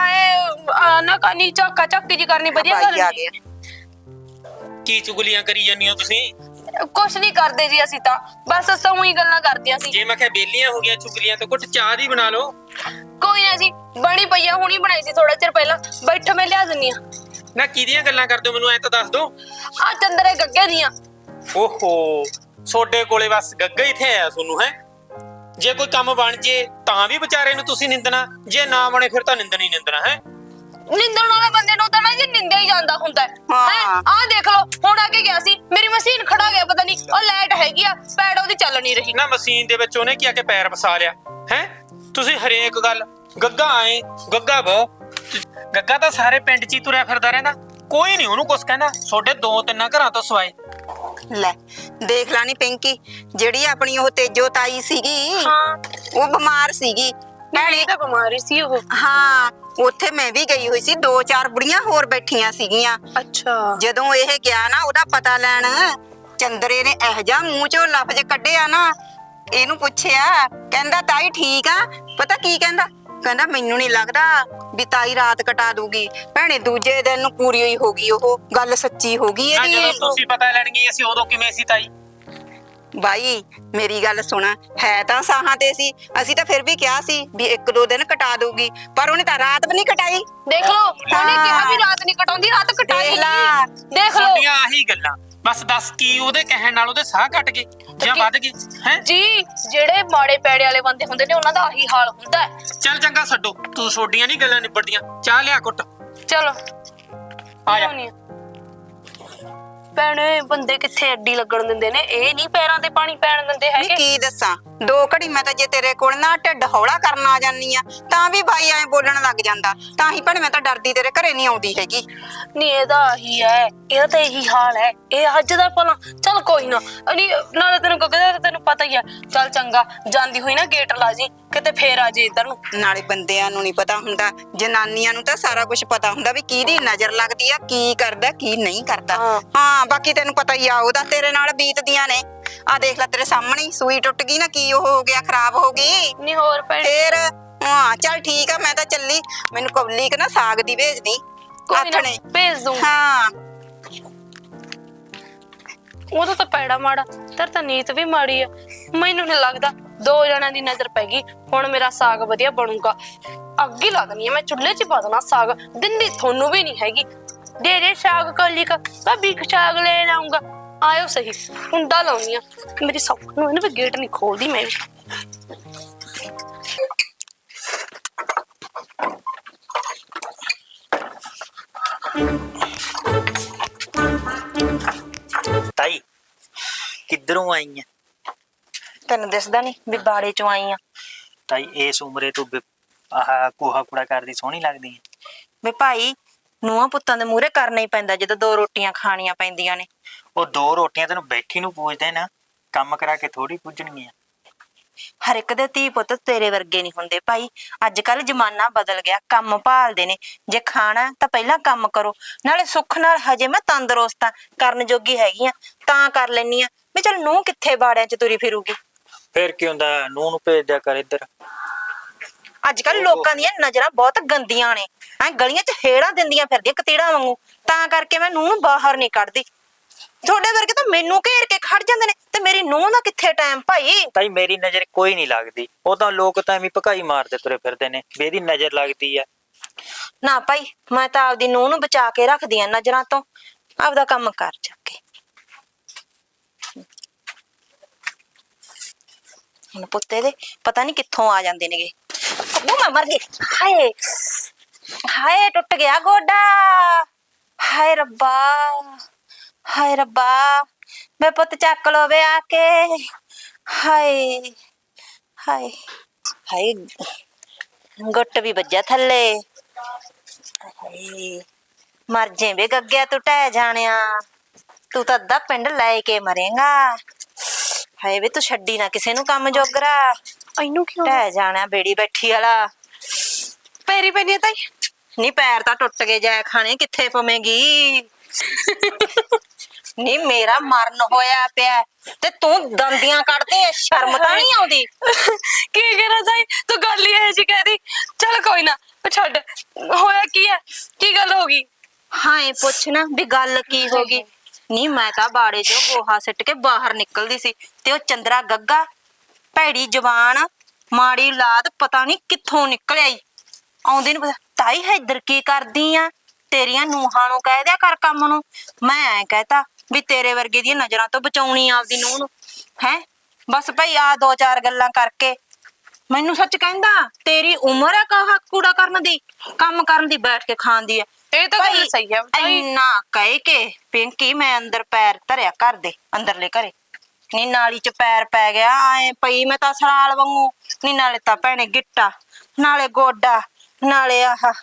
ਆਏ ਨਾ ਕਾਨੀ ਝਾਕਾ ਝਾਕੀ ਜੀ ਕਰਨੀ ਵਧੀਆ ਗੱਲ ਆ ਨਹੀਂ। ਗਿਆ। ਕੀ ਚੁਗਲੀਆਂ ਕਰੀ ਜਾਂਦੀ ਹੋ ਤੁਸੀਂ? ਕੁਛ ਨਹੀਂ ਕਰਦੇ ਜੀ ਅਸੀਂ ਤਾਂ ਬਸ ਅਸਾਂ ਹੀ ਗੱਲਾਂ ਕਰਦੀਆਂ ਸੀ। ਜੇ ਮੈਂ ਕਿਹਾ ਬੇਲੀਆਂ ਹੋ ਗਈਆਂ ਚੁਗਲੀਆਂ ਤਾਂ ਕੁੱਟ ਚਾਹ ਦੀ ਬਣਾ ਲਓ। ਕੋਈ ਨਾ ਜੀ, ਬਣੀ ਪਈ ਆ, ਹੁਣੀ ਬਣਾਈ ਸੀ ਥੋੜਾ ਚਿਰ ਪਹਿਲਾਂ। ਬੈਠੋ ਮੈਂ ਲਿਆ ਦਿੰਨੀ ਆ। ਨਾ ਕਿਹਦੀਆਂ ਗੱਲਾਂ ਕਰਦੇ ਹੋ ਮੈਨੂੰ ਐ ਤਾਂ ਦੱਸ ਦੋ। ਆ ਚੰਦਰੇ ਗੱਗੇ ਦੀਆਂ। ਓਹੋ ਸੋਡੇ ਕੋਲੇ ਬਸ ਗੱਗਾ ਹੀ ਥੇ ਆਇਆ ਤੁਹਾਨੂੰ ਹੈ। ਜੇ ਕੋਈ ਕੰਮ ਬਣ ਜੇ ਤਾਂ ਵੀ ਵਿਚਾਰੇ ਨੂੰ ਤੁਸੀਂ ਨਿੰਦਣਾ, ਜੇ ਨਾ ਬਣੇ ਫਿਰ ਤਾਂ ਨਿੰਦਣਾ ਹੀ ਨਿੰਦਣਾ ਹੈ। ਨਿੰਦਣ ਵਾਲੇ ਬੰਦੇ ਨੂੰ ਤਾਂ ਨਾ ਜੀ ਨਿੰਦਿਆ ਹੀ ਜਾਂਦਾ ਹੁੰਦਾ ਹੈ। ਹਾਂ। ਆਹ ਦੇਖ ਲਓ ਹੁਣ ਆ ਕੇ ਗਿਆ ਸੀ, ਮੇਰੀ ਮਸ਼ੀਨ ਖੜਾ ਗਿਆ, ਪਤਾ ਨਹੀਂ ਉਹ ਲਾਈਟ ਹੈਗੀ ਆ ਪੈੜ ਉਹਦੀ ਚੱਲ ਨਹੀਂ ਰਹੀ। ਨਾ ਮਸ਼ੀਨ ਦੇ ਵਿੱਚ ਉਹਨੇ ਕੀ ਆ ਕੇ ਪੈਰ ਫਸਾ ਲਿਆ ਹੈ। ਤੁਸੀਂ ਹਰੇਕ ਗੱਲ ਗੱਗਾ ਆਏ ਗੱਗਾ ਬਹੁ। ਗੱਗਾ ਤਾਂ ਸਾਰੇ ਪਿੰਡ 'ਚ ਹੀ ਤੁਰਿਆ ਫਿਰਦਾ ਰਹਿੰਦਾ, ਕੋਈ ਨਹੀਂ ਉਹਨੂੰ ਕੁਛ ਕਹਿੰਦਾ। ਤੁਹਾਡੇ 2-3 ਘਰਾਂ ਤੋਂ ਸਵਾਏ। ਲੈ ਦੇਖ ਲਾ ਨੀ ਪਿੰਕੀ, ਜਿਹੜੀ ਆਪਣੀ ਉਹ ਤੇਜੋ ਤਾਈ ਸੀਗੀ ਹਾਂ ਉਹ ਬਿਮਾਰ ਸੀਗੀ ਭੈਣੇ ਤਾਂ ਬਿਮਾਰੀ ਸੀ ਉਹ। ਹਾਂ ਉੱਥੇ ਮੈਂ ਵੀ ਗਈ ਹੋਈ ਸੀ, 2-4 ਬੁੜੀਆਂ ਹੋਰ ਬੈਠੀਆਂ ਸੀਗੀਆਂ। ਅੱਛਾ ਜਦੋਂ ਇਹ ਗਿਆ ਨਾ ਉਹਦਾ ਪਤਾ ਲੈਣ, ਚੰਦਰੇ ਨੇ ਇਹ ਜਾ ਮੂੰਹ ਚੋਂ ਲਫ਼ਜ਼ ਕੱਢਿਆ ਨਾ, ਇਹਨੂੰ ਪੁੱਛਿਆ ਕਹਿੰਦਾ ਤਾਈ ਠੀਕ ਆ। ਪਤਾ ਕੀ ਕਹਿੰਦਾ? ਕਹਿੰਦਾ ਮੈਨੂੰ ਨਹੀਂ ਲੱਗਦਾ ਵੀ ਤਾਈ ਰਾਤ ਕਟਾ ਦੂਗੀ। ਭੈਣੇ ਦੂਜੇ ਦਿਨ ਨੂੰ ਪੂਰੀ ਹੋਈ ਹੋ ਗਈ, ਉਹ ਗੱਲ ਸੱਚੀ ਹੋ ਗਈ ਨਾ ਜਦੋਂ ਇਹਦੀ। ਤੁਸੀਂ ਪਤਾ ਲੈਣ ਗਏ ਅਸੀਂ ਉਦੋਂ ਕਿਵੇਂ ਸੀ ਤਾਈ? ਬਾਈ ਮੇਰੀ ਗੱਲ ਸੁਣ, ਹੈ ਤਾਂ ਸਾਹਾਂ ਤੇ ਸੀ, ਅਸੀਂ ਤਾਂ ਫਿਰ ਵੀ ਕਿਹਾ ਸੀ ਵੀ 1-2 ਦਿਨ ਕਟਾ ਦੂਗੀ, ਪਰ ਉਹਨੇ ਤਾਂ ਰਾਤ ਵੀ ਨਹੀਂ ਕਟਾਈ। ਦੇਖ ਲਓ ਉਹਨੇ ਕਿਹਾ ਵੀ ਰਾਤ ਨਹੀਂ ਕਟਾਉਂਦੀ, ਰਾਤ ਕਟਾਈ। ਦੇਖ ਲਾ। ਦੇਖ ਲਓ ਤੁਹਾਡੀਆਂ ਆਹੀ ਗੱਲਾਂ ਬਸ। ਦੱਸ ਕੀ ਉਹਦੇ ਕਹਿਣ ਨਾਲ ਉਹਦੇ ਸਾਹ ਘਟ ਗਏ ਜਾਂ ਵੱਧ ਗਏ ਹੈ? ਜੀ ਜਿਹੜੇ ਮਾੜੇ ਪੈੜੇ ਵਾਲੇ ਬੰਦੇ ਹੁੰਦੇ ਨੇ ਉਹਨਾਂ ਦਾ ਆਹੀ ਹਾਲ ਹੁੰਦਾ ਹੈ। ਚੱਲ ਚੰਗਾ ਛੱਡੋ, ਤੂੰ ਛੋਡੀਆਂ ਨਹੀਂ ਗੱਲਾਂ ਨਿਬੜਦੀਆਂ। ਚਾਹ ਲਿਆ ਕੁੱਟ। ਚਲੋ ਆ ਜਾ। ਭੈਣੇ ਬੰਦੇ ਕਿੱਥੇ ਅੱਡੀ ਲੱਗਣ ਦਿੰਦੇ ਨੇ, ਇਹ ਨਹੀਂ ਪੈਰਾਂ ਤੇ ਪਾਣੀ ਪੈਣ ਦਿੰਦੇ ਨੀ ਹੈਗੇ। ਕੀ ਦੱਸਾਂ, 2 ਘੜੀ ਮੈਂ ਤਾਂ ਜੇ ਤੇਰੇ ਕੋਲ ਨਾ ਢਿੱਡ ਹੌਲਾ ਕਰਨ ਆ ਜਾਨੀ ਆ ਤਾਂ ਵੀ ਬਾਈ ਐ ਬੋਲਣ ਲੱਗ ਜਾਂਦਾ। ਤਾਂ ਹੀ ਭੈਣੇ ਮੈਂ ਤਾਂ ਡਰਦੀ ਤੇਰੇ ਘਰੇ ਨਹੀਂ ਆਉਂਦੀ ਹੈਗੀ। ਨਹੀਂ ਇਹਦਾ ਹੀ ਹੈ, ਇਹਦਾ ਤਾਂ ਇਹੀ ਹਾਲ ਹੈ। ਇਹ ਅੱਜ ਦਾ ਭਲਾ ਚੱਲ ਕੋਈ ਨਾ। ਨਹੀਂ ਨਾਲੇ ਤੈਨੂੰ ਕਹਿੰਦਾ ਤੈਨੂੰ ਪਤਾ ਹੀ ਹੈ। ਚੱਲ ਚੰਗਾ, ਜਾਂਦੀ ਹੋਈ ਨਾ ਗੇਟ ਲਾ ਜੀ ਕਿਤੇ ਫੇਰ ਆ ਜੇ ਇੱਧਰ ਨੂੰ। ਨਾਲੇ ਬੰਦਿਆਂ ਨੂੰ ਨਹੀਂ ਪਤਾ ਹੁੰਦਾ, ਜਨਾਨੀਆਂ ਨੂੰ ਤਾਂ ਸਾਰਾ ਕੁਝ ਪਤਾ ਹੁੰਦਾ ਵੀ ਕਿਹਦੀ ਨਜ਼ਰ ਲੱਗਦੀ ਆ, ਕੀ ਕਰਦਾ ਕੀ ਨਹੀਂ ਕਰਦਾ। ਹਾਂ ਬਾਕੀ ਤੈਨੂੰ ਪਤਾ ਹੀ ਆ ਉਹਦਾ ਤੇਰੇ ਨਾਲ ਬੀਤਦੀਆਂ ਨੇ। ਆ ਦੇਖ ਲੈ ਤੇਰੇ ਸਾਹਮਣੇ ਸੂਈ ਟੁੱਟ ਗਈ ਨਾ, ਕੀ ਉਹ ਹੋ ਗਿਆ, ਖਰਾਬ ਹੋ ਗਈ। ਨਹੀਂ ਹੋਰ ਭੈਣੇ ਫੇਰ ਹਾਂ ਚੱਲ ਠੀਕ ਆ, ਮੈਂ ਤਾਂ ਚੱਲੀ। ਮੈਨੂੰ ਕੌਲੀ ਨਾ ਸਾਗ ਦੀ ਭੇਜ ਦੀ ਕੋਈ ਨਾ ਆਥਣੇ। ਭੇਜ ਦੂੰ। ਹਾਂ ਉਹਦਾ ਤਾਂ ਪੈੜਾ ਮਾੜਾ, ਤੇਰ ਤਾਂ ਨੀਤ ਵੀ ਮਾੜੀ ਆ। ਮੈਨੂੰ ਨਹੀਂ ਲੱਗਦਾ 2 ਜਣਿਆਂ ਦੀ ਨਜ਼ਰ ਪੈ ਗਈ ਹੁਣ ਮੇਰਾ ਸਾਗ ਵਧੀਆ ਬਣੂਗਾ। ਅੱਗ ਹੀ ਲਾ ਦੇਣੀ ਆ ਮੈਂ, ਚੁੱਲ੍ਹੇ 'ਚ ਪਾ ਦੇਣਾ ਸਾਗ। ਦਿੰਦੀ ਤੁਹਾਨੂੰ ਵੀ ਨਹੀਂ ਹੈਗੀ। ਦੇ ਸਾਗ ਕੌਲੀ ਕਾ, ਭਾਬੀ ਸਾਗ ਲੈਣ ਆਉਂਗਾ। ਆਇਓ ਸਹੀ, ਕੁੰਡਾ ਲਾਉਣੀ ਆ ਮੇਰੀ ਸੌਖ ਨੂੰ। ਇਹਨੂੰ ਵੀ ਗੇਟ ਨਹੀਂ ਖੋਲਦੀ ਮੈਂ ਵੀ। ਤਾਈ ਕਿੱਧਰੋਂ ਆਈ ਆ? ਤੈਨੂੰ ਦਿਸਦਾ ਨਹੀਂ ਵੀ ਬਾੜੇ ਚੋਂ ਆਈ ਆ? ਤਾਈ ਇਸ ਉਮਰੇ ਤੂੰ ਆਹ ਕੋਹਾ ਕੂੜਾ ਕਰਦੀ ਸੋਹਣੀ ਲੱਗਦੀ ਹੈ। ਵੇ ਭਾਈ ਨੂੰਹਾਂ ਪੁੱਤਾਂ ਦੇ ਮੂਹਰੇ ਕਰਨਾ ਹੀ ਪੈਂਦਾ ਜਦੋਂ ਦੋ ਰੋਟੀਆਂ ਖਾਣੀਆਂ ਪੈਂਦੀਆਂ ਨੇ। ਉਹ ਦੋ ਰੋਟੀਆਂ ਤੈਨੂੰ ਬੈਠੀ ਨੂੰ ਪੂਜਦੇ ਨਾ, ਕੰਮ ਕਰਾ ਕੇ ਥੋੜੀ ਪੂਜਣਗੀਆਂ। ਹਰ ਇੱਕ ਦੇ ਧੀ ਪੁੱਤ ਤੇਰੇ ਵਰਗੇ ਨਹੀਂ ਹੁੰਦੇ ਭਾਈ। ਅੱਜ ਕੱਲ ਜ਼ਮਾਨਾ ਬਦਲ ਗਿਆ, ਕੰਮ ਭਾਲਦੇ ਨੇ। ਜੇ ਖਾਣਾ ਤਾਂ ਪਹਿਲਾਂ ਕੰਮ ਕਰੋ। ਨਾਲੇ ਸੁੱਖ ਨਾਲ ਹਜੇ ਮੈਂ ਤੰਦਰੁਸਤ ਆ, ਕਰਨ ਜੋਗੀ ਹੈਗੀ ਆ ਤਾਂ ਕਰ ਲੈਨੀ ਆ ਵੀ ਚਲ ਨੂੰਹ ਕਿੱਥੇ ਬਾੜਿਆਂ 'ਚ ਤੁਰੀ ਫਿਰੂਗੀ। ਫਿਰ ਕੀ ਹੁੰਦਾ, ਨੂੰਹ ਨੂੰ ਭੇਜ ਦਿਆ ਕਰ ਇੱਧਰ। ਅੱਜ ਕੱਲ ਲੋਕਾਂ ਦੀਆਂ ਨਜ਼ਰਾਂ ਬਹੁਤ ਗੰਦੀਆਂ ਨੇ, ਐ ਗਲੀਆਂ 'ਚ ਹੇੜਾਂ ਦਿੰਦੀਆਂ ਫਿਰਦੀਆਂ ਕਤੀੜਾਂ ਵਾਂਗੂ। ਤਾਂ ਕਰਕੇ ਮੈਂ ਨੂੰਹ ਨੂੰ ਬਾਹਰ ਨਹੀਂ ਕੱਢਦੀ। ਤੁਹਾਡੇ ਵਰਗੇ ਤਾਂ ਮੈਨੂੰ ਘੇਰ ਕੇ ਖੜ ਜਾਂਦੇ ਨੇ ਤੇ ਮੇਰੀ ਨੂੰਹ ਦਾ ਕਿੱਥੇ ਟਾਈਮ ਭਾਈ। ਤਾਈ ਮੇਰੀ ਨਜ਼ਰ ਕੋਈ ਨਹੀਂ ਲੱਗਦੀ, ਉਹ ਤਾਂ ਲੋਕ ਤਾਂ ਐਵੇਂ ਭਕਾਈ ਮਾਰਦੇ ਤੁਰੇ ਫਿਰਦੇ ਨੇ ਵੀ ਇਹਦੀ ਨਜ਼ਰ ਲੱਗਦੀ ਆ। ਨਾ ਭਾਈ ਮੈਂ ਤਾਂ ਆਪਦੀ ਨੂੰਹ ਨੂੰ ਬਚਾ ਕੇ ਰੱਖਦੀ ਆ ਨਜ਼ਰਾਂ ਤੋਂ। ਆਪਦਾ ਕੰਮ ਕਰ ਜਾ ਕੇ। ਹੁਣ ਪੁੱਤੇ ਦੇ ਪਤਾ ਨਹੀਂ ਕਿੱਥੋਂ ਆ ਜਾਂਦੇ ਨੇਗੇ। ਉਹ ਮੈਂ ਮਰ ਗਈ। ਹਾਏ ਹਾਏ ਟੁੱਟ ਗਿਆ ਗੋਡਾ। ਹਾਏ ਰੱਬਾ ਹਾਏ ਰੱਬਾ ਮੈਂ ਪੁੱਤ ਚੱਕ ਲੋ ਵੇ ਆ ਕੇ। ਹਾਏ ਹਾਏ ਹਾਏ ਗੁੱਟ ਵੀ ਵੱਜਿਆ ਥੱਲੇ। ਹਾਏ ਮਰ ਜੇ ਵੇ ਗੱਗਿਆ ਤੂੰ ਟਹਿ ਜਾਣਿਆ, ਤੂੰ ਤਾਂ ਅੱਧਾ ਪਿੰਡ ਲੈ ਕੇ ਮਰੇਗਾ। ਹਾਏ ਵੇ ਤੂੰ ਛੱਡੀ ਨਾ ਕਿਸੇ ਨੂੰ ਕੰਮ ਜੋਗਰਾ। ਇਹਨੂੰ ਕਿਉਂ ਟਹਿ ਜਾਣਾ ਬੇੜੀ ਬੈਠੀ ਵਾਲਾ। ਪੈਰੀ ਪੈਣੀ ਤਾਈ? ਨੀ ਪੈਰ ਤਾਂ ਟੁੱਟ ਗਏ, ਜੈ ਖਾਣੇ ਕਿੱਥੇ ਪਵੇਂਗੀ। ਨੀ ਮੇਰਾ ਮਰਨ ਹੋਇਆ ਪਿਆ ਤੇ ਤੂੰ ਦੰਦੀਆਂ ਕੱਢਦੇ, ਸ਼ਰਮ ਤਾਂ ਨਹੀਂ ਆਉਂਦੀ? ਕੀ ਕਰਾਂ ਤਾਈ, ਤੂੰ ਗੱਲ ਹੀ ਇਹ ਜੀ ਕਹਿਦੀ। ਚਲ ਕੋਈ ਨਾ ਛੱਡ, ਹੋਇਆ ਕੀ ਹੈ, ਕੀ ਗੱਲ ਹੋ ਗਈ? ਹਾਂ ਇਹ ਪੁੱਛ ਨਾ ਵੀ ਗੱਲ ਕੀ ਹੋ ਗਈ। ਨੀ ਮੈਂ ਤਾਂ ਬਾੜੇ ਚੋਂ ਗੋਹਾ ਸਿੱਟ ਕੇ ਬਾਹਰ ਨਿਕਲਦੀ ਸੀ ਤੇ ਉਹ ਚੰਦਰਾ ਗੱਗਾ ਭੈੜੀ ਜਵਾਨ ਮਾੜੀ ਔਲਾਦ ਪਤਾ ਨਹੀਂ ਕਿੱਥੋਂ ਨਿਕਲਿਆ ਈ। ਆਉਂਦੀ ਨੂੰ ਤਾਈ ਹੈ ਇੱਧਰ ਕੀ ਕਰਦੀ ਆ? ਤੇਰੀਆਂ ਨੂੰਹਾਂ ਨੂੰ ਕਹਿ ਦਿਆ ਕਰ ਕੰਮ ਨੂੰ। ਮੈਂ ਐ ਕਹਤਾ ਵੀ ਤੇਰੇ ਵਰਗੇ ਦੀਆਂ ਨਜ਼ਰਾਂ ਤੋਂ ਬਚਾਉਣੀ ਆਪਦੀ ਨੂੰਹ ਨੂੰ ਹੈ। ਬਸ ਭਾਈ ਆ ਦੋ ਚਾਰ ਗੱਲਾਂ ਕਰਕੇ ਮੈਨੂੰ ਸੱਚ ਕਹਿੰਦਾ ਤੇਰੀ ਉਮਰ ਹੈ ਕਾਹਾ ਕੂੜਾ ਕਰਨ ਦੀ, ਕੰਮ ਕਰਨ ਦੀ, ਬੈਠ ਕੇ ਖਾਣ ਦੀ ਆ। ਇਹ ਤਾਂ ਗੱਲ ਸਹੀ ਹੈ ਤਾਈ। ਇੰਨਾ ਕਹਿ ਕੇ ਪਿੰਕੀ ਮੈਂ ਅੰਦਰ ਪੈਰ ਧਰਿਆ ਘਰ ਦੇ ਅੰਦਰਲੇ ਘਰੇ। ਨੀ ਨਾਲੀ ਚ ਪੈਰ ਪੈ ਗਿਆ ਐ ਪਈ ਮੈਂ ਤਾਂ ਸਰਾਲ ਵਾਂਗੂ। ਨੀ ਨਾਲੇ ਤਾਂ ਭੈਣੇ ਗਿੱਟਾ, ਨਾਲੇ ਗੋਡਾ, ਨਾਲੇ ਆਹ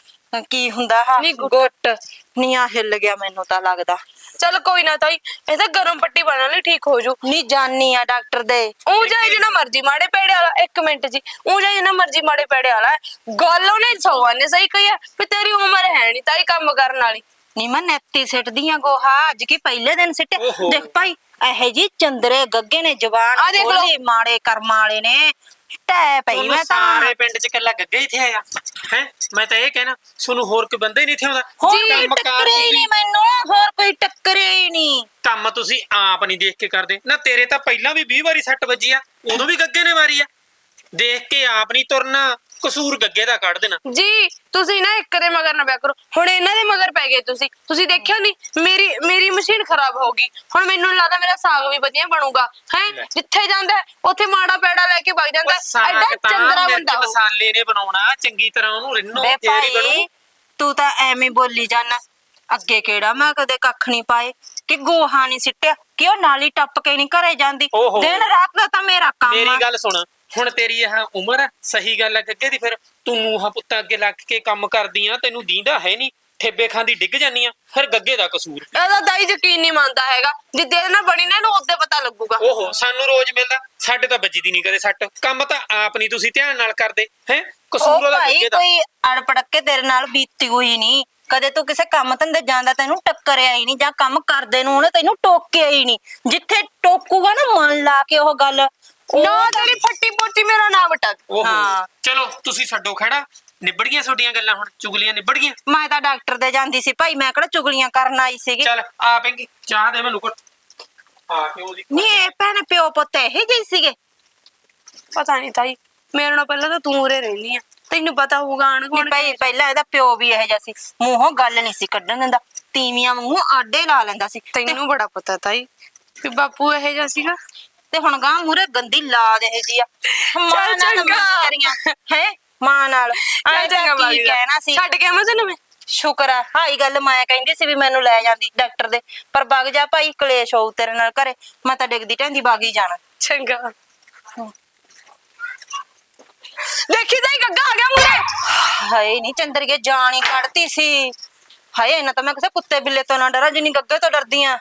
ਕੀ ਹੁੰਦਾ ਹਾ ਨੀ ਗੁੱਟ। ਨੀ ਆ ਹਿੱਲ ਗਿਆ ਮੈਨੂੰ ਤਾਂ ਲੱਗਦਾ। ਚਲ ਕੋਈ ਨਾ ਤਾਈ, ਇਹ ਤਾਂ ਗਰਮ ਪੱਟੀ ਬਣਾ ਲਈ, ਠੀਕ ਹੋ ਜੂ। ਨੀ ਜਾਨੀ ਆ ਡਾਕਟਰ ਦੇ। ਉਹ ਜਾਏ ਜਿੰਨਾ ਮਰਜੀ ਮਾੜੇ ਪੈੜੇ ਵਾਲਾ, ਇੱਕ ਮਿੰਟ ਜੀ, ਉਹ ਜਾਏ ਜਿੰਨਾ ਮਰਜੀ ਮਾੜੇ ਪੈੜੇ ਵਾਲਾ। ਗੱਲ ਉਹਨੇ ਸੌਵਾਂ ਨੇ ਸਹੀ ਕਹੀ ਆ ਵੀ ਤੇਰੀ ਉਮਰ ਹੈ ਨਹੀਂ ਤਾਈ ਕੰਮ ਕਰਨ ਵਾਲੀ। ਨੀ ਮੈਂ ਨੈਤੀ ਸਿੱਟਦੀ ਆ ਗੋਹਾ, ਅੱਜ ਕੀ ਪਹਿਲੇ ਦਿਨ ਸਿੱਟੇ। ਦੇਖ ਭਾਈ ਇਹੋ ਜੀ ਚੰਦਰੇ ਗੱਗੇ ਨੇ ਜਵਾਨ ਆ ਦੇਖ ਲਓ। ਖੋਲੀ, ਮਾੜੇ ਕਰਮਾਂ ਵਾਲੇ ਨੇ। ਟੈ ਪਈ ਤੁਹਾਨੂੰ ਮੈਂ ਤਾਂ। ਸਾਰੇ ਪਿੰਡ 'ਚ ਇਕੱਲਾ ਗੱਗਾ ਹੀ ਇੱਥੇ ਆਇਆ ਹੈ? ਮੈਂ ਤਾਂ ਇਹ ਕਹਿਣਾ ਤੁਹਾਨੂੰ ਹੋਰ ਕੋਈ ਬੰਦਾ ਹੀ ਨਹੀਂ ਇੱਥੇ ਆਉਂਦਾ। ਹੋਰ ਜੀ, ਕੋਈ ਕੰਮਕਾਰ ਟੱਕਰੇ ਹੀ ਤੁਸੀਂ- ਨਹੀਂ ਮੈਨੂੰ, ਹੋਰ ਕੋਈ ਟੱਕਰੇ ਹੀ ਨਹੀਂ। ਕੰਮ ਤੁਸੀਂ ਆਪ ਨਹੀਂ ਦੇਖ ਕੇ ਕਰਦੇ ਨਾ। ਤੇਰੇ ਤਾਂ ਪਹਿਲਾਂ ਵੀ 20 ਵਾਰੀ ਸੱਟ ਵੱਜੀ ਆ, ਉਦੋਂ ਵੀ ਗੱਗੇ ਨੇ ਮਾਰੀ ਆ। ਦੇਖ ਕੇ ਆਪ ਨਹੀਂ ਤੁਰਨਾ, ਕਸੂਰ ਗੱਗੇ ਦਾ ਕੱਢ ਦੇਣਾ। ਜੀ ਤੁਸੀਂ ਨਾ ਇੱਕ ਦੇ ਮਗਰ ਨਾ ਪਿਆ ਕਰੋ। ਹੁਣ ਇਹਨਾਂ ਦੇ ਮਗਰ ਪੈ ਗਏ ਤੁਸੀਂ ਦੇਖਿਆ ਨਹੀਂ, ਮੇਰੀ ਮਸ਼ੀਨ ਖਰਾਬ ਹੋ ਗਈ। ਹੁਣ ਮੈਨੂੰ ਨੀ ਲੱਗਦਾ ਮੇਰਾ ਸਾਗ ਵੀ ਵਧੀਆ ਬਣੂਗਾ ਹੈ। ਜਿੱਥੇ ਜਾਂਦਾ ਉੱਥੇ ਮਾੜਾ ਪੈੜਾ ਲੈ ਕੇ ਵਗ ਜਾਂਦਾ। ਸਾਗ ਐਡਾ ਤਾਂ ਚੰਦਰਾ ਮਿਰਚ ਬੰਦਾ ਉਹ। ਮਸਾਲੇ ਨੇ ਬਣਾਉਣਾ, ਚੰਗੀ ਤਰ੍ਹਾਂ ਉਹਨੂੰ ਰਿੰਨੋ ਬੇ ਫੇਰ ਹੀ ਭਾਈ ਬਣੂ। ਤੂੰ ਤਾਂ ਐਵੇਂ ਬੋਲੀ ਜਾਣਾ। ਅੱਗੇ ਕਿਹੜਾ ਮੈਂ ਕਦੇ ਕੱਖ ਨਹੀਂ ਪਾਏ ਕਿ ਗੋਹਾ ਨਹੀਂ ਸਿੱਟਿਆ ਕਿ ਉਹ ਨਾਲੀ ਟੱਪ ਕੇ ਨਹੀਂ ਘਰੇ ਜਾਂਦੀ। ਓਹੋ। ਦਿਨ ਰਾਤ ਦਾ ਤਾਂ ਮੇਰਾ ਕੰਮ ਆ। ਮੇਰੀ ਗੱਲ ਸੁਣ, ਹੁਣ ਤੇਰੀ ਇਹ ਉਮਰ ਆ, ਸਹੀ ਗੱਲ ਆ ਗੱਗੇ ਦੀ। ਫਿਰ ਤੂੰ ਨੂੰਹਾਂ ਪੁੱਤਾਂ ਅੱਗੇ ਲੱਗ ਕੇ ਕੰਮ ਕਰਦੀ ਆ, ਤੈਨੂੰ ਦੀਂਦਾ ਹੈ ਨਹੀਂ, ਠੇਬੇ ਖਾਂਦੀ ਡਿੱਗ ਜਾਨੀ ਆ। ਫਿਰ ਗੱਗੇ ਦਾ ਕਸੂਰ। ਇਹਦਾ ਦਾਈ ਯਕੀਨ ਨਹੀਂ ਮੰਨਦਾ ਹੈਗਾ। ਜਿੱਦੇ ਨਾਲ ਬਣੀ ਨਾ ਇਹਨੂੰ ਉਹਦੇ ਪਤਾ ਲੱਗੂਗਾ। ਓਹੋ ਸਾਨੂੰ ਰੋਜ਼ ਮਿਲਦਾ, ਸਾਡੇ ਤਾਂ ਵੱਜਦੀ ਨਹੀਂ ਕਦੇ ਸੱਟ। ਕੰਮ ਤਾਂ ਆਪ ਨਹੀਂ ਤੁਸੀਂ ਧਿਆਨ ਨਾਲ ਕਰਦੇ ਹੈ। ਕਸੂਰ ਉਹ ਉਹਦਾ ਭਾਈ ਗੱਗੇ ਦਾ। ਕੋਈ ਅੜਪੜਕ ਕੇ ਤੇਰੇ ਨਾਲ ਬੀਤੀ ਹੋਈ ਨਹੀਂ। ਕਦੇ ਤੂੰ ਕਿਸੇ ਕੰਮ ਧੰਦੇ ਜਾਂਦਾ ਤੈਨੂੰ ਟੱਕਰਿਆ ਹੀ ਨਹੀਂ, ਜਾਂ ਕੰਮ ਕਰਦੇ ਨੂੰ ਉਹਨੇ ਤੈਨੂੰ ਟੋਕਿਆ ਹੀ ਨਹੀਂ। ਜਿੱਥੇ ਟੋਕੂਗਾ ਨਾ ਮਨ ਲਾ ਕੇ ਉਹ ਗੱਲ। ਨਾ ਤੇਰੀ ਫੱਟੀ ਪੋਟੀ ਮੇਰਾ ਨਾਮ ਵਟਾ। ਓਹੋ ਹਾਂ। ਚਲੋ ਤੁਸੀਂ ਛੱਡੋ ਖੜਾ, ਨਿਬੜ ਗਈਆਂ ਤੁਹਾਡੀਆਂ ਗੱਲਾਂ, ਹੁਣ ਚੁਗਲੀਆਂ ਨਿਬੜ ਗਈਆਂ। ਮੈਂ ਤਾਂ ਡਾਕਟਰ ਦੇ ਜਾਂਦੀ ਸੀ ਭਾਈ, ਮੈਂ ਕਿਹੜਾ ਚੁਗਲੀਆਂ ਕਰਨ ਆਈ ਸੀਗੀ। ਚੱਲ ਆ ਪੈਂਗੀ ਚਾਹ ਦੇ ਮੈਨੂੰ ਘੁੱਟ। ਆ ਕੇ ਉਹਦੀ ਨਹੀਂ ਇਹ ਭੈਣ ਪਿਓ ਪੁੱਤ ਇਹ ਜਿਹੇ ਸੀਗੇ। ਪਤਾ ਨਹੀਂ ਤਾਈ, ਮੇਰੇ ਨਾਲ ਪਹਿਲਾਂ ਤਾਂ ਤੂੰ ਉਰੇ ਰਹਿਨੀ ਆ, ਤੈਨੂੰ ਪਤਾ ਹੋਊਗਾ ਆਣ ਨਹੀਂ ਕੋਣ। ਭਾਈ ਪਹਿਲਾਂ ਇਹਦਾ ਪਿਓ ਵੀ ਇਹੋ ਜਿਹਾ ਸੀ, ਮੂੰਹੋਂ ਗੱਲ ਨਹੀਂ ਸੀ ਕੱਢਣ ਦਿੰਦਾ, ਤੀਵੀਆਂ ਵਾਂਗੂ ਆਡੇ ਲਾ ਲੈਂਦਾ ਸੀ। ਤੈਨੂੰ ਬੜਾ ਪਤਾ ਤਾਈ ਵੀ ਬਾਪੂ ਇਹੋ ਜਿਹਾ ਸੀਗਾ। ਤੇ ਹੁਣ ਗਾਂ ਮੂਰੇ ਗੰਦੀ ਲਾਦ ਇਹ ਜੀ ਆ। ਮਾਂ ਨਾਲ ਚੰਗਾ। ਮਸਕਰੀਆਂ ਹੈ, ਮਾਂ ਨਾਲ ਆਏ ਤਾਂ ਕੀ ਕਹਿਣਾ ਸੀ। ਛੱਡ ਕੇ ਆਵਾਂ ਤੈਨੂੰ ਮੈਂ। ਸ਼ੁਕਰ ਆ ਹਾਈ ਗੱਲ ਮੈਂ ਕਹਿੰਦੀ ਸੀ ਵੀ ਮੈਨੂੰ ਲੈ ਜਾਂਦੀ ਡਾਕਟਰ ਦੇ, ਪਰ ਵਗ ਜਾ ਭਾਈ ਕਲੇਸ਼ ਹੋਊ ਤੇਰੇ ਨਾਲ ਘਰੇ। ਮੈਂ ਤਾਂ ਡਿੱਗਦੀ ਢਹਿੰਦੀ ਵਗ ਹੀ ਜਾਣਾ। ਚੰਗਾ। ਦੇਖੀ ਜਾਈ ਗੱਗਾ ਆ ਗਿਆ ਮੂਰੇ। ਹਾਏ ਨਹੀਂ ਚੰਦਰੀਏ ਜਾਨ ਹੀ ਕੱਢਤੀ ਸੀ। ਹਾਏ ਇਹਨਾਂ ਤਾਂ ਮੈਂ ਕਿਸੇ ਕੁੱਤੇ ਬਿੱਲੇ ਤੋਂ ਨਾ ਡਰਾਂ ਜਿੰਨੀ ਗੱਗੇ ਤੋਂ ਡਰਦੀ ਆ।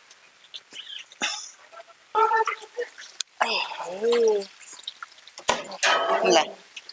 ਲੈ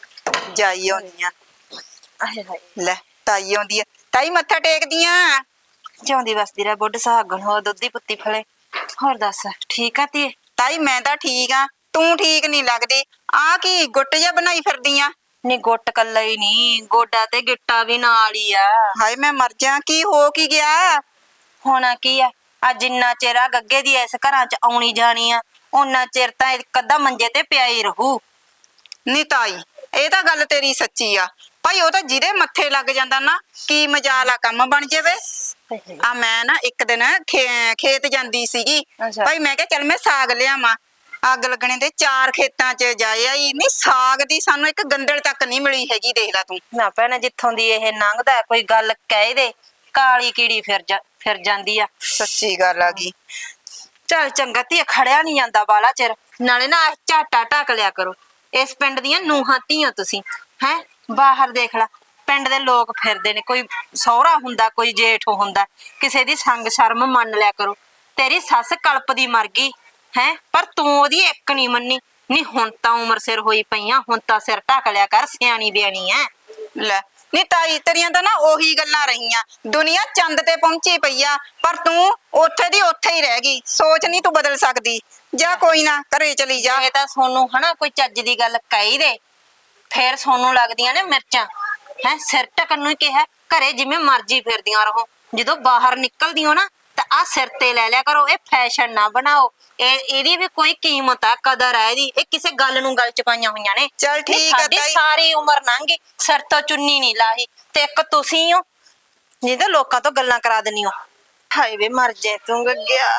ਜਾਈ ਆਉਣੀ ਆ। ਆਏ ਹਾਏ ਲੈ ਤਾਈ ਆਉਂਦੀ ਆ। ਤਾਈ ਮੱਥਾ ਟੇਕਦੀ ਆ। ਜਿਉਂਦੀ ਵਸਦੀ ਰਹਿ ਬੁੱਢ ਸੁਹਾਗਣ ਹੋ ਦੁੱਧੀ ਪੁੱਤੀ ਫਲੇ। ਹੋਰ ਦੱਸ ਠੀਕ ਆ ਧੀਏ? ਤਾਈ ਮੈਂ ਤਾਂ ਠੀਕ ਆ, ਤੂੰ ਠੀਕ ਨਹੀਂ ਲੱਗਦੀ। ਆ ਕੀ ਗੁੱਟ ਜਿਹਾ ਬਣਾਈ ਫਿਰਦੀ ਆ? ਨੀ ਗੁੱਟ ਕੱਲਾ ਹੀ ਨਹੀਂ, ਗੋਡਾ ਤੇ ਗਿੱਟਾ ਵੀ ਨਾਲ ਹੀ ਆ। ਹਾਏ ਮੈਂ ਮਰ ਜਾ, ਕੀ ਹੋ ਕੀ ਗਿਆ? ਹੋਣਾ ਕੀ ਆ, ਆ ਜਿੰਨਾ ਚਿਰ ਆ ਗੱਗੇ ਦੀ ਇਸ ਘਰਾਂ ਚ ਆਉਣੀ ਜਾਣੀ ਆ ਉਹਨਾਂ ਚਿਰ ਤਾਂ ਇੱਕ ਅੱਧਾ ਮੰਜੇ ਤੇ ਪਿਆ ਹੀ ਰਹੂ। ਨੀ ਤਾਈ ਇਹ ਤਾਂ ਗੱਲ ਤੇਰੀ ਸੱਚੀ ਆ ਭਾਈ। ਉਹ ਤਾਂ ਜਿਹਦੇ ਮੱਥੇ ਲੱਗ ਜਾਂਦਾ ਨਾ ਕੀ ਮਜਾਲ ਆ ਕੰਮ ਬਣ ਜਾਵੇ। ਆ ਮੈਂ ਨਾ ਇੱਕ ਦਿਨ ਖੇਤ ਜਾਂਦੀ ਸੀਗੀ ਅੱਛਾ। ਭਾਈ, ਮੈਂ ਕਿਹਾ ਚੱਲ ਮੈਂ ਸਾਗ ਲਿਆਵਾਂ। ਅੱਗ ਲੱਗਣੇ ਦੇ 4 ਖੇਤਾਂ ਚ ਜਾਇਆ ਹੀ ਨਹੀਂ, ਸਾਗ ਦੀ ਸਾਨੂੰ ਇੱਕ ਗੰਦਲ ਤੱਕ ਨਹੀਂ ਮਿਲੀ ਹੈਗੀ। ਦੇਖ ਲੈ ਤੂੰ। ਨਾ ਭੈਣੇ ਜਿੱਥੋਂ ਦੀ ਇਹ ਲੰਘਦਾ ਕੋਈ ਗੱਲ ਕਹਿ ਦੇ ਕਾਲੀ ਕੀੜੀ ਫਿਰ ਜਾਂਦੀ ਆ। ਸੱਚੀ ਗੱਲ ਆ ਗਈ। ਚੱਲ ਚੰਗਾ ਧੀਏ, ਖੜਿਆ ਨਹੀਂ ਜਾਂਦਾ ਬਾਲਾ ਚਿਰ। ਨਾਲੇ ਨਾ ਆਹ ਝਾਟਾ ਢੱਕ ਲਿਆ ਕਰੋ। ਇਸ ਪਿੰਡ ਦੀਆਂ ਨੂੰਹਾਂ ਧੀਆਂ ਤੁਸੀਂ ਹੈ। ਬਾਹਰ ਦੇਖ ਲੈ ਪਿੰਡ ਦੇ ਲੋਕ ਫਿਰਦੇ ਨੇ, ਕੋਈ ਸਹੁਰਾ ਹੁੰਦਾ ਕੋਈ ਜੇਠ ਹੁੰਦਾ, ਕਿਸੇ ਦੀ ਸੰਗ ਸ਼ਰਮ ਮੰਨ ਲਿਆ ਕਰੋ। ਤੇਰੀ ਸੱਸ ਕਲਪਦੀ ਮਰ ਗਈ ਹੈ ਪਰ ਤੂੰ ਉਹਦੀ ਇੱਕ ਨਹੀਂ ਮੰਨੀ। ਨਹੀਂ ਹੁਣ ਤਾਂ ਉਮਰ ਸਿਰ ਹੋਈ ਪਈਆਂ, ਹੁਣ ਤਾਂ ਸਿਰ ਢੱਕ ਲਿਆ ਕਰ, ਸਿਆਣੀ ਬਿਆਣੀ ਐ। ਲੈ ਨੀ ਤਾਈ ਤੇਰੀਆਂ ਤਾਂ ਨਾ ਉਹੀ ਗੱਲਾਂ ਰਹੀਆਂ। ਦੁਨੀਆ ਚੰਦ ਤੇ ਪਹੁੰਚੀ ਪਈ ਆ ਪਰ ਤੂੰ ਉੱਥੇ ਦੀ ਉੱਥੇ ਹੀ ਰਹਿ ਗਈ। ਸੋਚ ਨਹੀਂ ਤੂੰ ਬਦਲ ਸਕਦੀ। ਜਾ ਕੋਈ ਨਾ ਘਰੇ ਚਲੀ ਜਾ। ਇਹ ਤਾਂ ਸੋਨੂੰ ਹਨਾ ਕੋਈ ਚੱਜ ਦੀ ਗੱਲ ਕਹੀ ਦੇ ਫੇਰ ਸੋਨੂੰ ਲੱਗਦੀਆਂ ਨੇ ਮਿਰਚਾਂ ਹੈ। ਸਿਰ ਢਕਣ ਨੂੰ ਹੀ ਕਿਹਾ, ਘਰੇ ਜਿਵੇਂ ਮਰਜ਼ੀ ਫਿਰਦੀਆਂ ਰਹੋ। ਜਦੋਂ ਬਾਹਰ ਨਿਕਲਦੀ ਹੋ ਨਾ ਤਾਂ ਆ ਸਿਰ ਤੇ ਲੈ ਲਿਆ ਕਰੋ। ਇਹ ਫੈਸ਼ਨ ਨਾ ਬਣਾਓ। ਇਹਦੀ ਵੀ ਕੋਈ ਕੀਮਤ ਆ, ਕਦਰ ਆ ਇਹਦੀ। ਇਹ ਕਿਸੇ ਗੱਲ ਨੂੰ ਗੱਲ ਚ ਪਾਈਆਂ ਹੋਈਆਂ ਨੇ। ਚੱਲ ਨਹੀਂ, ਠੀਕ ਆ ਸਾਡੀ ਤਾਈ। ਸਾਰੀ ਉਮਰ ਲੰਘ ਗਈ, ਸਿਰ ਤੋਂ ਚੁੰਨੀ ਨਹੀਂ ਲਾਹੀ ਤੇ ਇੱਕ ਤੁਸੀਂ ਹੋ ਜਿਹਦੇ ਲੋਕਾਂ ਤੋਂ ਗੱਲਾਂ ਕਰਾ ਦਿੰਨੀ ਹੋ। ਹਾਏ ਵੇ ਮਰ ਜੇ ਤੂੰ ਗੱਗਿਆ,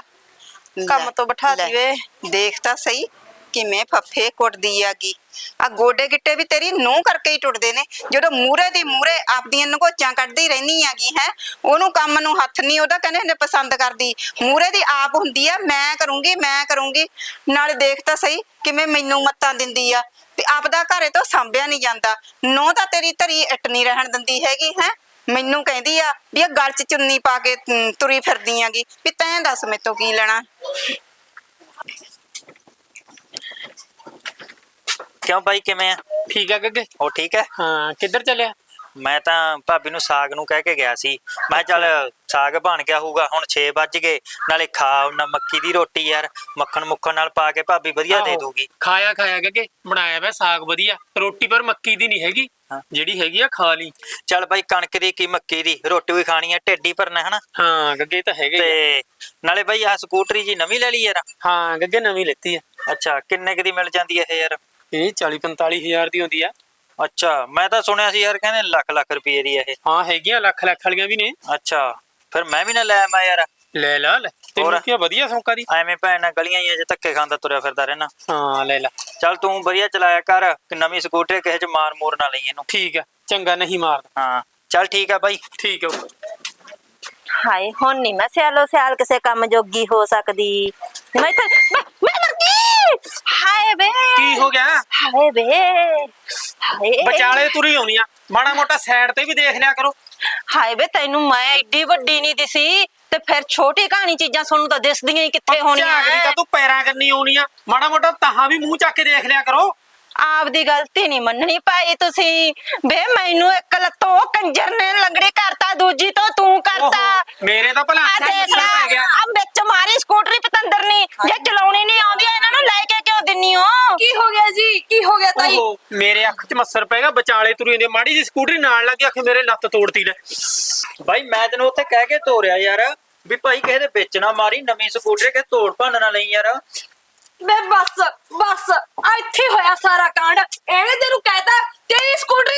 ਕੰਮ ਤੋਂ ਬਿਠਾ ਲੈ, ਦੀ ਵੇ। ਦੇਖ ਤਾਂ ਸਹੀ ਕਿਵੇਂ ਫੱਫੇ ਕੁੱਟਦੀ ਆਗੀ। ਆ ਗੋਡੇ ਗਿੱਟੇ ਵੀ ਤੇਰੀ ਨੂੰਹ ਕਰਕੇ ਹੀ ਟੁੱਟਦੇ ਨੇ। ਜਦੋਂ ਮੂਰੇ ਦੀ ਮੂਰੇ ਆਪਦੀਆਂ ਨਗੋਚਾਂ ਕੱਢਦੀ ਰਹਿਨੀ ਆਗੀ ਹੈ। ਉਹਨੂੰ ਕੰਮ ਨੂੰ ਹੱਥ ਨਹੀਂ ਉਹਦਾ ਕਹਿੰਦੇ ਨੇ ਪਸੰਦ ਕਰਦੀ। ਮੂਰੇ ਦੀ ਆਪ ਹੁੰਦੀ ਆ ਮੈਂ ਕਰੂੰਗੀ ਮੈਂ ਕਰੂੰਗੀ। ਨਾਲੇ ਦੇਖ ਤਾਂ ਸਹੀ ਕਿਵੇਂ ਮੈਨੂੰ ਮੱਤਾਂ ਦਿੰਦੀ ਆ ਤੇ ਆਪਦਾ ਘਰੇ ਤੋਂ ਸਾਂਭਿਆ ਨਹੀਂ ਜਾਂਦਾ। ਨੂੰਹ ਤਾਂ ਤੇਰੀ ਧਰੀ ਇੱਟ ਨਹੀਂ ਰਹਿਣ ਦਿੰਦੀ ਹੈਗੀ ਹੈ। ਮੈਨੂੰ ਕਹਿੰਦੀ ਆ ਵੀ ਇਹ ਗਲ 'ਚ ਚੁੰਨੀ ਪਾ ਕੇ ਤੁਰੀ ਫਿਰਦੀ ਆਗੀ ਵੀ ਤੈਂ ਦੱਸ ਮੈਥੋਂ ਕੀ ਲੈਣਾ। ਕਿਉਂ ਬਾਈ ਕਿਵੇਂ ਆ? ਠੀਕ ਆ ਗੱਗੇ? ਉਹ ਠੀਕ ਹੈ। ਹਾਂ ਕਿੱਧਰ ਚੱਲਿਆ? ਮੈਂ ਤਾਂ ਭਾਬੀ ਨੂੰ ਸਾਗ ਨੂੰ ਕਹਿ ਕੇ ਗਿਆ ਸੀ। ਮੈਂ ਕਿਹਾ ਚੱਲ ਸਾਗ ਬਣ ਗਿਆ ਹੋਊਗਾ, ਹੁਣ 6 ਵੱਜ ਗਏ, ਨਾਲੇ ਖਾ ਉਹਨਾਂ ਮੱਕੀ ਦੀ ਰੋਟੀ ਯਾਰ, ਮੱਖਣ ਮੁੱਖਣ ਨਾਲ ਪਾ ਕੇ ਭਾਬੀ ਵਧੀਆ ਦੇ ਆਹੋ, ਦੂਗੀ। ਖਾਇਆ ਗੱਗੇ, ਬਣਾਇਆ ਵਾ ਸਾਗ ਵਧੀਆ। ਰੋਟੀ ਪਰ ਮੱਕੀ ਦੀ ਨਹੀਂ ਹੈਗੀ, ਜਿਹੜੀ ਹੈਗੀ ਆ ਖਾ ਲਈ। ਚੱਲ ਬਾਈ ਕਣਕ ਦੀ ਕੀ ਮੱਕੀ ਦੀ ਰੋਟੀ ਵੀ ਖਾਣੀ ਆ, ਢਿੱਡ ਹੀ ਭਰਨਾ ਹਨਾ। ਹਾਂ ਗੱਗੇ ਤਾਂ ਹੈਗੇ ਤੇ ਨਾਲੇ ਬਾਈ ਆਹ ਸਕੂਟਰੀ ਜੀ ਨਵੀਂ ਲੈ ਲਈ ਯਾਰ? ਹਾਂ ਗੱਗੇ ਨਵੀਂ ਲੈਤੀ ਆ। ਅੱਛਾ ਕਿੰਨੇ ਕੁ ਦੀ ਮਿਲ ਜਾਂਦੀ ਹੈ ਇਹ ਯਾਰ? ਇਹ 40-45 ਹਜ਼ਾਰ ਦੀ ਹੁੰਦੀ ਆ। ਅੱਛਾ ਮੈਂ ਤਾਂ ਸੁਣਿਆ ਸੀ ਯਾਰ ਕਹਿੰਦੇ ਲੱਖ ਰੁਪਏ ਦੀ ਇਹ। ਹਾਂ ਹੈਗੀਆਂ ਲੱਖ ਵਾਲੀਆਂ ਵੀ ਨੇ। ਅੱਛਾ ਫਿਰ ਮੈਂ ਵੀ ਨਾ ਲੈ ਆਵਾਂ ਯਾਰ। ਲੈ ਲਾ ਲੈ, ਤੈਨੂੰ ਕੀ ਵਧੀਆ ਸੌਂਕਾ ਦੀ। ਐਵੇਂ ਭੈਣ ਨਾਲ ਗਲੀਆਂ ਹੀ ਜੇ ਧੱਕੇ ਖਾਂਦਾ ਤੁਰਿਆ ਫਿਰਦਾ ਰਹਿਣਾ। ਹਾਂ ਲੈ ਲਾ। ਚੱਲ ਤੂੰ ਵਧੀਆ ਚਲਾਇਆ ਕਰ, ਨਵੀਂ ਸਕੂਟਰੀ ਕਿਸੇ ਚ ਮਾਰ ਮੂਰ ਨਾ ਲਈ ਇਹਨੂੰ। ਠੀਕ ਆ ਚੰਗਾ, ਨਹੀਂ ਮਾਰਦਾ। ਹਾਂ ਚੱਲ ਠੀਕ ਆ ਬਾਈ। ਠੀਕ ਆ। ਹਾਏ ਹੁਣ ਨਹੀਂ ਮੈਂ ਸਿਆਲੋ ਸਿਆਲ ਕਿਸੇ ਕੰਮ ਜੋਗੀ ਹੋ ਸਕਦੀ। ਮੈਂ ਤਾਂ ਮੈਂ ਮਰ ਗਈ। ਹਾਏ ਵੇ ਕੀ ਹੋ ਗਿਆ? ਹਾਏ ਵੇ ਹਾਏ ਵਿਚਾਲੇ ਤੁਰੀ ਆਉਣੀ ਆ, ਮਾੜਾ ਮੋਟਾ ਸਾਈਡ ਤੇ ਵੀ ਦੇਖ ਲਿਆ ਕਰੋ। ਹਾਏ ਵੇ ਤੈਨੂੰ ਮੈਂ ਏਡੀ ਵੱਡੀ ਨਹੀਂ ਦਿਸੀ ਤੇ ਫਿਰ ਛੋਟੀ ਕਹਾਣੀ ਚੀਜ਼ਾਂ ਸੁਣਨ ਤਾਂ ਦਿਸਦੀਆਂ ਹੀ ਕਿੱਥੇ ਹੋਣੀਆਂ। ਝਾਗਦੀ ਤਾਂ ਤੂੰ ਪੈਰਾਂ ਕਰਨੀ ਆਉਣੀ ਆ, ਮਾੜਾ ਮੋਟਾ ਤਾਹਾਂ ਵੀ ਮੂੰਹ ਚੱਕ ਕੇ ਦੇਖ ਲਿਆ ਕਰੋ। ਆਪਦੀ ਗਲਤੀ ਨਹੀਂ ਮੰਨਣੀ ਭਾਈ ਤੁਸੀਂ। ਵੇ ਮੈਨੂੰ ਇੱਕ ਲੱਤੋਂ ਕੰਜਰ ਨੇ ਲੰਗੜੀ ਕਰਤਾ, ਦੂਜੀ ਤੋਂ ਤੂੰ ਕਰਤਾ। ਮੇਰੇ ਤਾਂ ਭਲਾ ਆ ਦੇਖ ਲੈ ਆ ਵਿੱਚ ਮਾਰੀ ਸਕੂਟਰੀ ਪਤੰਦਰਨੀ। ਜੇ ਚਲਾਉਣੀ ਨਹੀਂ ਆਉਂਦੀ ਇਹਨਾਂ ਨੂੰ ਲੈ ਕੇ ਕਿਉਂ ਦਿੰਨੀ ਹੋ? ਕੀ ਹੋ ਗਿਆ ਜੀ, ਕੀ ਹੋ ਗਿਆ ਤਾਈ? ਓਹੋ ਮੇਰੇ ਅੱਖ 'ਚ ਮੱਸਰ ਪੈ ਗਿਆ, ਵਿਚਾਲੇ ਤੁਰੀ ਜਾਂਦੀ ਮਾੜੀ ਜੀ ਸਕੂਟਰੀ ਨਾਲ ਲੱਗੀ, ਆਖੇ ਮੇਰੇ ਲੱਤ ਤੋੜਤੀ ਲੈ। ਬਾਈ ਮੈਂ ਤੈਨੂੰ ਉੱਥੇ ਕਹਿ ਕੇ ਤੋਰਿਆ ਯਾਰ ਵੀ ਭਾਈ ਕਿਸੇ ਦੇ ਵਿੱਚ ਨਾ ਮਾਰੀ, ਨਵੀਂ ਸਕੂਟਰੀ ਕਿਸੇ ਤੋੜ ਭੰਨ ਨਾ ਲਈ ਯਾਰ। ਵੇ ਬਸ ਆ ਇੱਥੇ ਹੋਇਆ ਸਾਰਾ ਕਾਂਡ। ਐਵੇਂ ਤੈਨੂੰ ਕਹਿਤਾ ਤੇਰੀ ਸਕੂਟਰੀ ਚਾਈ ਜਵਾ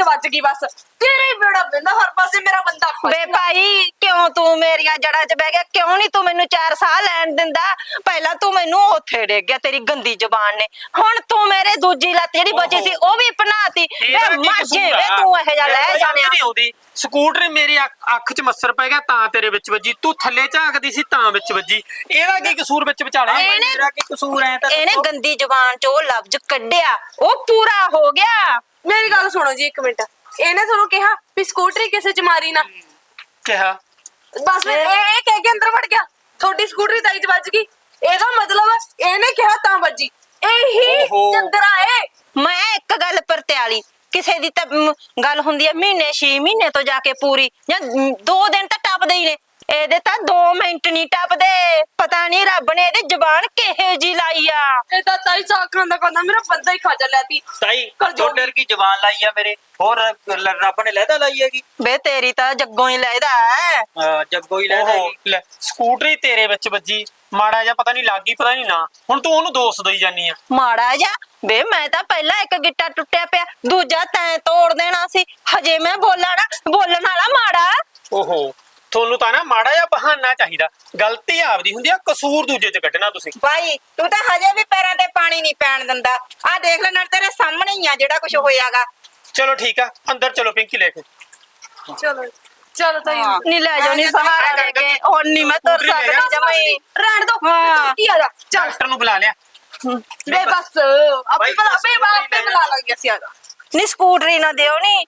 ਵੱਜ ਗਈ ਬਸ ਤੇਰੇ ਹੀ ਬੇੜਾ ਪੈਂਦਾ ਹਰ ਪਾਸੇ ਮੇਰਾ ਬੰਦਾ ਵੇ ਭਾਈ ਕਿਉਂ ਤੂੰ ਮੇਰੀਆਂ ਜੜਾਂ 'ਚ ਬਹਿ ਗਿਆ ਕਿਉਂ ਨਹੀਂ ਤੂੰ ਮੈਨੂੰ 4 ਸਾਹ ਲੈਣ ਦਿੰਦਾ ਪਹਿਲਾਂ ਤੂੰ ਮੈਨੂੰ ਉੱਥੇ ਡੇਗ ਗਿਆ ਤੇਰੀ ਗੰਦੀ ਜ਼ੁਬਾਨ ਨੇ ਹੁਣ ਤੂੰ ਮੇਰੇ ਦੂਜੀ ਲੱਤ ਜਿਹੜੀ ਬਚੀ ਸੀ ਉਹ ਵੀ ਪਨਾਤੀ ਵੇ ਮਾਝੇ ਵੇ ਤੂੰ ਇਹ ਜਾ ਲੈ ਜਾਣਿਆ ਨਹੀਂ ਆਉਂਦੀ ਸਕੂਟਰ ਮੇਰੀ ਅੱਖ 'ਚ ਮੱਸਰ ਪੈ ਗਿਆ ਤਾਂ ਤੇਰੇ ਵਿੱਚ ਵੱਜੀ ਤੂੰ ਥੱਲੇ ਝਾਕਦੀ ਸੀ ਤਾਂ ਵਿੱਚ ਵੱਜੀ ਇਹਦਾ ਕੀ ਕਸੂਰ ਵਿੱਚ ਵਿਚਾਲੇ ਮੇਰਾ ਕੀ ਕਸੂਰ ਐ ਤਾਂ ਇਹਨੇ ਗੰਦੀ ਜ਼ੁਬਾਨ 'ਚ ਉਹ ਲਫ਼ਜ਼ ਕੱਢਿਆ ਉਹ ਪੂਰਾ ਹੋ ਗਿਆ ਮੇਰੀ ਗੱਲ ਸੁਣੋ ਜੀ 1 ਮਿੰਟ ਇਹਨੇ ਤੁਹਾਨੂੰ ਕਿਹਾ ਵੀ ਸਕੂਟਰੀ ਕਿਸੇ ਚ ਮਾਰੀ ਨਾ ਕਿਹਾ ਬਸ ਫਿਰ ਇਹ ਕਹਿ ਕੇ ਅੰਦਰ ਵੜ ਗਿਆ ਤੁਹਾਡੀ ਸਕੂਟਰੀ ਤਾਈ ਚ ਵੱਜ ਗਈ ਇਹਦਾ ਮਤਲਬ ਇਹਨੇ ਕਿਹਾ ਤਾਂ ਵੱਜੀ ਇਹੀ ਓਹੋ। ਚੰਦਰਾ ਏ ਮੈਂ ਇੱਕ ਗੱਲ ਪਰਤਿਆਲੀ ਕਿਸੇ ਦੀ ਤਾਂ ਗੱਲ ਹੁੰਦੀ ਹੈ ਮਹੀਨੇ 6 ਮਹੀਨੇ ਤੋਂ ਜਾ ਕੇ ਪੂਰੀ ਜਾਂ 2 ਦਿਨ ਤਾਂ ਟੱਪਦੇ ਹੀ ਨੇ ਇਹਦੇ ਤਾਂ 2 ਮਿੰਟ ਨਹੀਂ ਟੱਪਦੇ ਪਤਾ ਨਹੀਂ ਰੱਬ ਨੇ ਇਹਦੀ ਜ਼ਬਾਨ ਕਿਹੇ ਜੀ ਲਾਈ ਆ ਇਹ ਤਾਂ ਤਾਈ ਸਾਖਾਂ ਦਾ ਕਹਿੰਦਾ ਮੇਰਾ ਬੰਦਾ ਹੀ ਖਾ ਲਿਆਤੀ ਤਾਈ ਕਰ ਜੋ ਛੋਟਰ ਕੀ ਜ਼ਬਾਨ ਲਾਈ ਆ ਮੇਰੇ ਹੋਰ ਰੱਬ ਨੇ ਲਹਿਦਾ ਲਾਈ ਹੈਗੀ ਵੇ ਤੇਰੀ ਤਾਂ ਜੱਗੋਂ ਹੀ ਲੈਦਾ ਹੈ ਜੱਗੋ ਹੀ ਲਹਿਦਾ ਓਹੋ, ਹੈਗੀ ਲੈ ਸਕੂਟਰੀ ਤੇਰੇ ਵਿੱਚ ਵੱਜੀ ਮਾੜਾ ਜਿਹਾ ਪਤਾ ਨਹੀਂ ਲੱਗੀ ਪਤਾ ਨਹੀਂ ਨਾ ਹੁਣ ਤੂੰ ਉਹਨੂੰ ਦੋਸ਼ ਦੇਈ ਜਾਨੀ ਆ ਮਾੜਾ ਜਾ ਵੇ ਮੈਂ ਤਾਂ ਪਹਿਲਾਂ ਇੱਕ ਗਿੱਟਾ ਟੁੱਟਿਆ ਪਿਆ ਦੂਜਾ ਤੈਂ ਤੋੜ ਦੇਣਾ ਸੀ ਹਜੇ ਮੈਂ ਬੋਲਣਾ ਬੋਲਣ ਵਾਲਾ ਮਾੜਾ ਓਹੋ ਤੁਹਾਨੂੰ ਤਾਂ ਨਾ ਮਾੜਾ ਜਿਹਾ ਬਹਾਨਾ ਚਾਹੀਦਾ ਗਲਤੀ ਆਪਦੀ ਹੁੰਦੀ ਆ ਕਸੂਰ ਦੂਜੇ 'ਚ ਕੱਢਣਾ ਤੁਸੀਂ ਭਾਈ ਤੂੰ ਤਾਂ ਹਜੇ ਵੀ ਪੈਰਾਂ ਤੇ ਪਾਣੀ ਨਹੀਂ ਪੈਣ ਦਿੰਦਾ ਆ ਦੇਖ ਲੈ ਨਾਲ ਤੇਰੇ ਸਾਹਮਣੇ ਹੀ ਆ ਜਿਹੜਾ ਕੁਝ ਹੋਇਆਗਾ ਚਲੋ ਠੀਕ ਆ ਅੰਦਰ ਚਲੋ ਪਿੰਕੀ ਲੈ ਕੇ ਚਲੋ ਚਲੋ ਤਾਈ ਹਾਂ। ਨੀ ਲੈ ਜਾਓ ਨੀ ਸਹਾਰਾ ਲੈ ਕੇ ਹੁਣ ਨੀ ਮੈਂ ਤੁਰ ਸਕਦੀ ਜਮਈ ਰਹਿਣ ਦੋ ਹਾਂ। ਕੀ ਆ ਜਾ ਚੱਲ ਡਾਕਟਰ ਨੂੰ ਬੁਲਾ ਲਿਆ ਵੇ ਬਸ ਆਪੇ ਬੁਲਾ ਲਾਂਗੇ ਅਸੀਂ ਆ ਜਾ ਨੀ ਸਕੂਟਰੀ ਨਾ ਦਿਓ ਨੀ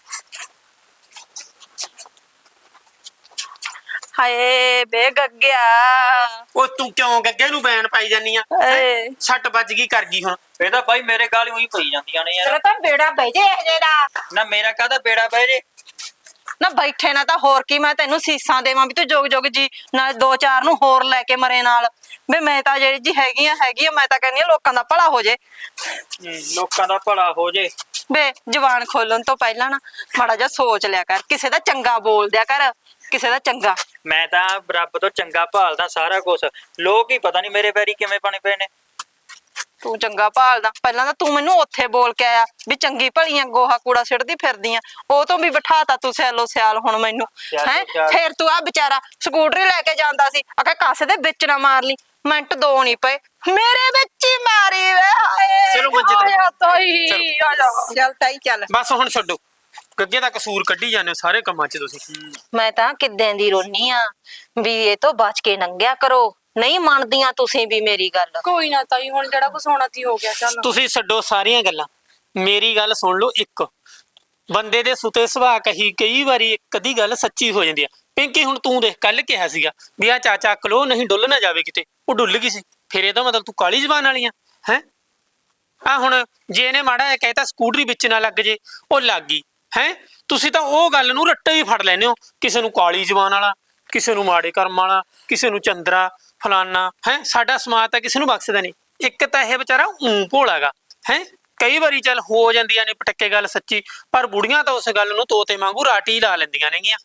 ਹਾਏ ਬੇ ਗੱਗਿਆ ਉਹ ਤੂੰ ਕਿਉਂ ਗੱਗੇ ਨੂੰ ਬੈਨ ਪਾਈ ਜਾਨੀ ਆ ਏ ਛੱਟ ਵੱਜ ਗਈ ਕਰ ਗਈ ਹੁਣ ਇਹ ਤਾਂ ਭਾਈ ਮੇਰੇ ਗਾਲ ਉਹੀ ਪਈ ਜਾਂਦੀਆਂ ਨੇ ਤੇਰਾ ਯਾਰ ਤਾਂ ਬੇੜਾ ਬਹਿ ਜੇ ਇਹ ਜਿਹੜਾ ਨਾ ਮੇਰਾ ਕਾਹਦਾ ਬੇੜਾ ਬਹਿ ਜੇ ਨਾ ਬੈਠੇ ਨਾ ਤਾਂ ਹੋਰ ਕੀ ਮੈਂ ਤੈਨੂੰ ਸੀਸਾਂ ਦੇਵਾਂ ਵੀ ਤੂੰ ਜੋਗ ਜੋਗ ਜੀ ਨਾਲ 2-4 ਨੂੰ ਹੋਰ ਲੈ ਕੇ ਮਰੇ ਨਾਲ ਵੀ ਮੈਂ ਤਾਂ ਜਿਹੜੀ ਜੀ ਹੈਗੀ ਆ ਮੈਂ ਤਾਂ ਕਹਿੰਦੀ ਆ ਲੋਕਾਂ ਦਾ ਭਲਾ ਹੋ ਜੇ ਲੋਕਾਂ ਦਾ ਭਲਾ ਹੋ ਜੇ ਵੇ ਜ਼ੁਬਾਨ ਖੋਲਣ ਤੋਂ ਪਹਿਲਾਂ ਨਾ ਮਾੜਾ ਜਿਹਾ ਸੋਚ ਲਿਆ ਕਰ ਕਿਸੇ ਦਾ ਚੰਗਾ ਬੋਲ ਦਿਆ ਕਰ ਕਿਸੇ ਦਾ ਚੰਗਾ ਮੈਂ ਤਾਂ ਰੱਬ ਤੋਂ ਚੰਗਾ ਭਾਲਦਾ ਸਾਰਾ ਕੁਝ ਲੋਕ ਹੀ ਪਤਾ ਨਹੀਂ ਮੇਰੇ ਪੈਰੀ ਕਿਵੇਂ ਬਣੇ ਪਏ ਨੇ ਤੂੰ ਚੰਗਾ ਭਾਲਦਾ ਪਹਿਲਾਂ ਤਾਂ ਤੂੰ ਮੈਨੂੰ ਉੱਥੇ ਬੋਲ ਕੇ ਆਇਆ ਵੀ ਚੰਗੀ ਭਲੀਆਂ ਗੋਹਾ ਕੂੜਾ ਸਿੱਟਦੀ ਫਿਰਦੀਆਂ ਉਹ ਤੋਂ ਵੀ ਬਿਠਾਤਾ ਤੂੰ ਸਿਆਲੋ ਸਿਆਲ ਹੁਣ ਮੈਨੂੰ ਸਿਆਲੋ ਹੈ ਸਿਆਲ। ਫੇਰ ਤੂੰ ਆ ਵਿਚਾਰਾ ਸਕੂਟਰੀ ਲੈ ਕੇ ਜਾਂਦਾ ਸੀ ਆਖਾ ਕਾਸੇ ਦੇ ਵਿੱਚ ਨਾ ਮਾਰ ਲਈ ਮਿੰਟ 2 ਨਹੀਂ ਪਏ ਮੇਰੇ ਵਿੱਚ ਹੀ ਮਾਰੀ ਵੇ ਹਾਏ ਚਲੋ ਮੰਜੇ ਤੇ ਆਇਆ ਤਾਈ ਆ ਜਾ ਚੱਲ ਤਾਈ ਚੱਲ ਬਸ ਹੁਣ ਛੱਡੋ ਗੱਗੇ ਦਾ ਕਸੂਰ ਕੱਢੀ ਜਾਂਦੇ ਹੋ ਸਾਰੇ ਕੰਮਾਂ 'ਚ ਤੁਸੀਂ ਮੈਂ ਤਾਂ ਕਿੱਦਾਂ ਦੀ ਰੋਨੀ ਆ ਵੀ ਇਹ ਤੋਂ ਬਚ ਕੇ ਲੰਘਿਆ ਕਰੋ ਨਹੀਂ ਮੰਨਦੀਆਂ ਤੁਸੀਂ ਵੀ ਮੇਰੀ ਗੱਲ ਕੋਈ ਨਾ ਤਾਈ ਹੁਣ ਜਿਹੜਾ ਕੁਛ ਹੋਣਾ ਤੀ ਹੋ ਗਿਆ ਚੱਲ ਤੁਸੀਂ ਛੱਡੋ ਸਾਰੀਆਂ ਗੱਲਾਂ ਮੇਰੀ ਗੱਲ ਸੁਣ ਲਓ ਇੱਕ ਬੰਦੇ ਦੇ ਸੁਤੇ ਸੁਭਾਅ ਕਈ ਵਾਰੀ ਇੱਕ ਅੱਧੀ ਗੱਲ ਸੱਚੀ ਹੋ ਜਾਂਦੀ ਆ ਪਿੰਕੀ ਹੁਣ ਤੂੰ ਦੇਖ ਕੱਲ ਕਿਹਾ ਸੀਗਾ ਵੀ ਆ ਚਾਚਾ ਕਲੋ ਨਹੀਂ ਡੁੱਲ ਨਾ ਜਾਵੇ ਕਿਤੇ ਉਹ ਡੁੱਲ ਗਈ ਸੀ ਫਿਰ ਇਹਦਾ ਮਤਲਬ ਤੂੰ ਕਾਲੀ ਜ਼ਬਾਨ ਵਾਲੀ ਆ ਹੈ ਆ ਹੁਣ ਜੇ ਇਹਨੇ ਮਾੜਾ ਜਿਹਾ ਕਹਿਤਾ ਸਕੂਟਰੀ ਵਿੱਚ ਨਾ ਲੱਗ ਜੇ ਉਹ ਲੱਗ ਗਈ ਹੈ ਤੁਸੀਂ ਤਾਂ ਉਹ ਗੱਲ ਨੂੰ ਰੱਟੇ ਹੀ ਫੜ ਲੈਨੇ ਹੋ ਕਿਸੇ ਨੂੰ ਕਾਲੀ ਜ਼ਬਾਨ ਵਾਲਾ ਕਿਸੇ ਨੂੰ ਮਾੜੇ ਕਰਮ ਵਾਲਾ ਕਿਸੇ ਨੂੰ ਚੰਦਰਾ ਫਲਾਨਾ ਹੈ ਸਾਡਾ ਸਮਾਜ ਤਾਂ ਕਿਸੇ ਨੂੰ ਬਖਸ਼ਦਾ ਨਹੀਂ ਇੱਕ ਤਾਂ ਇਹ ਵਿਚਾਰਾ ਭੋਲਾਗਾ ਹੈ ਕਈ ਵਾਰੀ ਚੱਲ ਹੋ ਜਾਂਦੀਆਂ ਨੇ ਪਟੱਕੇ ਗੱਲ ਸੱਚੀ ਪਰ ਬੁੜੀਆਂ ਤਾਂ ਉਸ ਗੱਲ ਨੂੰ ਤੋਤੇ ਵਾਂਗੂ ਰਾਟੀ ਲਾ ਲੈਂਦੀਆਂ ਨੇਗੀਆਂ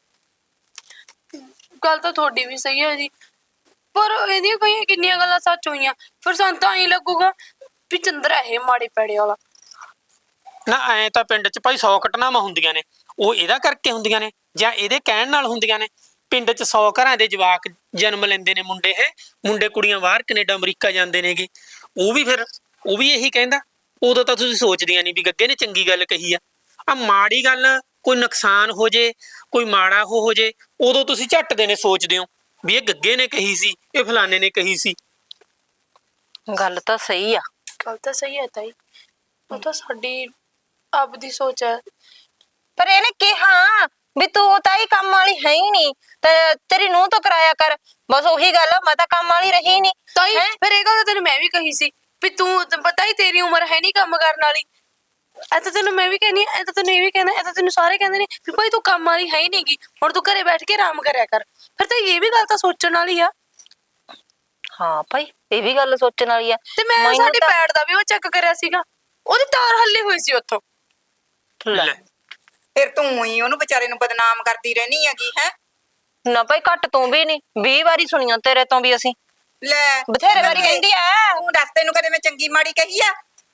ਗੱਲ ਤਾਂ ਤੁਹਾਡੀ ਵੀ ਸਹੀ ਹੈ ਜੀ ਪਰ ਇਹਦੀਆਂ ਕਈਆਂ ਕਿੰਨੀਆਂ ਗੱਲਾਂ ਸੱਚ ਹੋਈਆਂ ਫਿਰ ਸਾਨੂੰ ਤਾਂ ਐਂ ਲੱਗੂਗਾ ਵੀ ਚੰਦਰਾ ਇਹ ਮਾੜੇ ਪੈੜੇ ਵਾਲਾ ਨਾ ਐ ਤਾਂ ਪਿੰਡ 'ਚ ਭਾਈ 100 ਘਟਨਾਵਾਂ ਹੁੰਦੀਆਂ ਨੇ ਉਹ ਇਹਦਾ ਕਰਕੇ ਹੁੰਦੀਆਂ ਨੇ ਜਾਂ ਇਹਦੇ ਕਹਿਣ ਨਾਲ ਹੁੰਦੀਆਂ ਨੇ ਪਿੰਡ 'ਚ 100 ਘਰਾਂ ਦੇ ਜਵਾਕ ਜਨਮ ਲੈਂਦੇ ਨੇ ਮੁੰਡੇ ਕੁੜੀਆਂ ਬਾਹਰ ਕੈਨੇਡਾ ਅਮਰੀਕਾ ਜਾਂਦੇ ਨੇਗੇ ਉਹ ਵੀ ਇਹੀ ਕਹਿੰਦਾ ਉਦੋਂ ਤਾਂ ਤੁਸੀਂ ਸੋਚਦੀਆਂ ਨਹੀਂ ਵੀ ਗੱਗੇ ਨੇ ਚੰਗੀ ਗੱਲ ਕਹੀ ਆ ਮਾੜੀ ਗੱਲ ਕੋਈ ਨੁਕਸਾਨ ਹੋ ਜੇ ਕੋਈ ਮਾੜਾ ਹੋ ਜੇ ਉਦੋਂ ਤੁਸੀਂ ਝੱਟ ਦੇ ਨੇ ਸੋਚਦੇ ਹੋ ਵੀ ਇਹ ਗੱਗੇ ਨੇ ਕਹੀ ਸੀ ਇਹ ਫਲਾਣੇ ਨੇ ਕਹੀ ਸੀ ਗੱਲ ਤਾਂ ਸਹੀ ਆ ਗੱਲ ਤਾਂ ਸਹੀ ਹੈ ਤਾਈ ਉਹ ਤਾਂ ਸਾਡੀ ਆਪ ਦੀ ਸੋਚ ਹੈ ਪਰ ਇਹਨੇ ਕਿਹਾ ਵੀ ਤੂੰ ਤਾਂ ਹੀ ਕੰਮ ਵਾਲੀ ਹੈ ਹੀ ਨਹੀਂ ਤੇ ਤੇਰੀ ਨੂੰਹ ਤੋਂ ਕਰਾਇਆ ਕਰ ਬਸ ਉਹੀ ਗੱਲ ਆ, ਮੈਂ ਤਾਂ ਕੰਮ ਵਾਲੀ ਰਹੀ ਨਹੀਂ ਤਾਈ ਹੈਂ? ਫਿਰ ਇਹ ਗੱਲ ਤਾਂ ਤੈਨੂੰ ਮੈਂ ਵੀ ਕਹੀ ਸੀ ਵੀ ਤੂੰ ਪਤਾ ਹੀ ਤੇਰੀ ਉਮਰ ਹੈ ਨਹੀਂ ਕੰਮ ਕਰਨ ਵਾਲੀ ਐ ਤਾਂ ਤੈਨੂੰ ਮੈਂ ਵੀ ਕਹਿੰਦੀ ਐ ਤਾਂ ਤੈਨੂੰ ਇਹ ਵੀ ਕਹਿਣਾ ਐ ਤਾਂ ਤੈਨੂੰ ਸਾਰੇ ਕਹਿੰਦੇ ਨੇ ਵੀ ਭਾਈ ਤੂੰ ਕੰਮ ਵਾਲੀ ਹੈ ਹੀ ਨਹੀਂਗੀ ਹੁਣ ਤੂੰ ਘਰੇ ਬੈਠ ਕੇ ਆਰਾਮ ਕਰਿਆ ਕਰ ਫਿਰ ਤਾਂ ਇਹ ਵੀ ਗੱਲ ਤਾਂ ਸੋਚਣ ਵਾਲੀ ਆ ਹਾਂ ਭਾਈ ਇਹ ਵੀ ਗੱਲ ਸੋਚਣ ਵਾਲੀ ਆ ਤੇ ਮੈਂ ਮੈਨੂੰ ਸਾਡੀ ਤਾਂ- ਪੈੜ ਦਾ ਵੀ ਉਹ ਚੈੱਕ ਕਰਿਆ ਸੀਗਾ ਉਹਦੀ ਤਾਰ ਹੱਲੀ ਹੋਈ ਸੀ ਉੱਥੋਂ ਲੈ ਫਿਰ ਤੂੰ ਹੀ ਉਹਨੂੰ ਵਿਚਾਰੇ ਨੂੰ ਬਦਨਾਮ ਕਰਦੀ ਰਹਿਣੀ ਹੈਗੀ ਹੈ ਨਾ ਭਾਈ ਘੱਟ ਤੂੰ ਵੀ ਨਹੀਂ 20 ਵਾਰੀ ਸੁਣੀਆਂ ਤੇਰੇ ਤੋਂ ਵੀ ਅਸੀਂ ਲੈ ਬਥੇਰੇ ਵਾਰੀ ਕਹਿੰਦੀ ਆ ਤੂੰ ਦੱਸ ਤੈਨੂੰ ਕਦੇ ਮੈਂ ਚੰਗੀ ਮਾੜੀ ਕਹੀ ਆ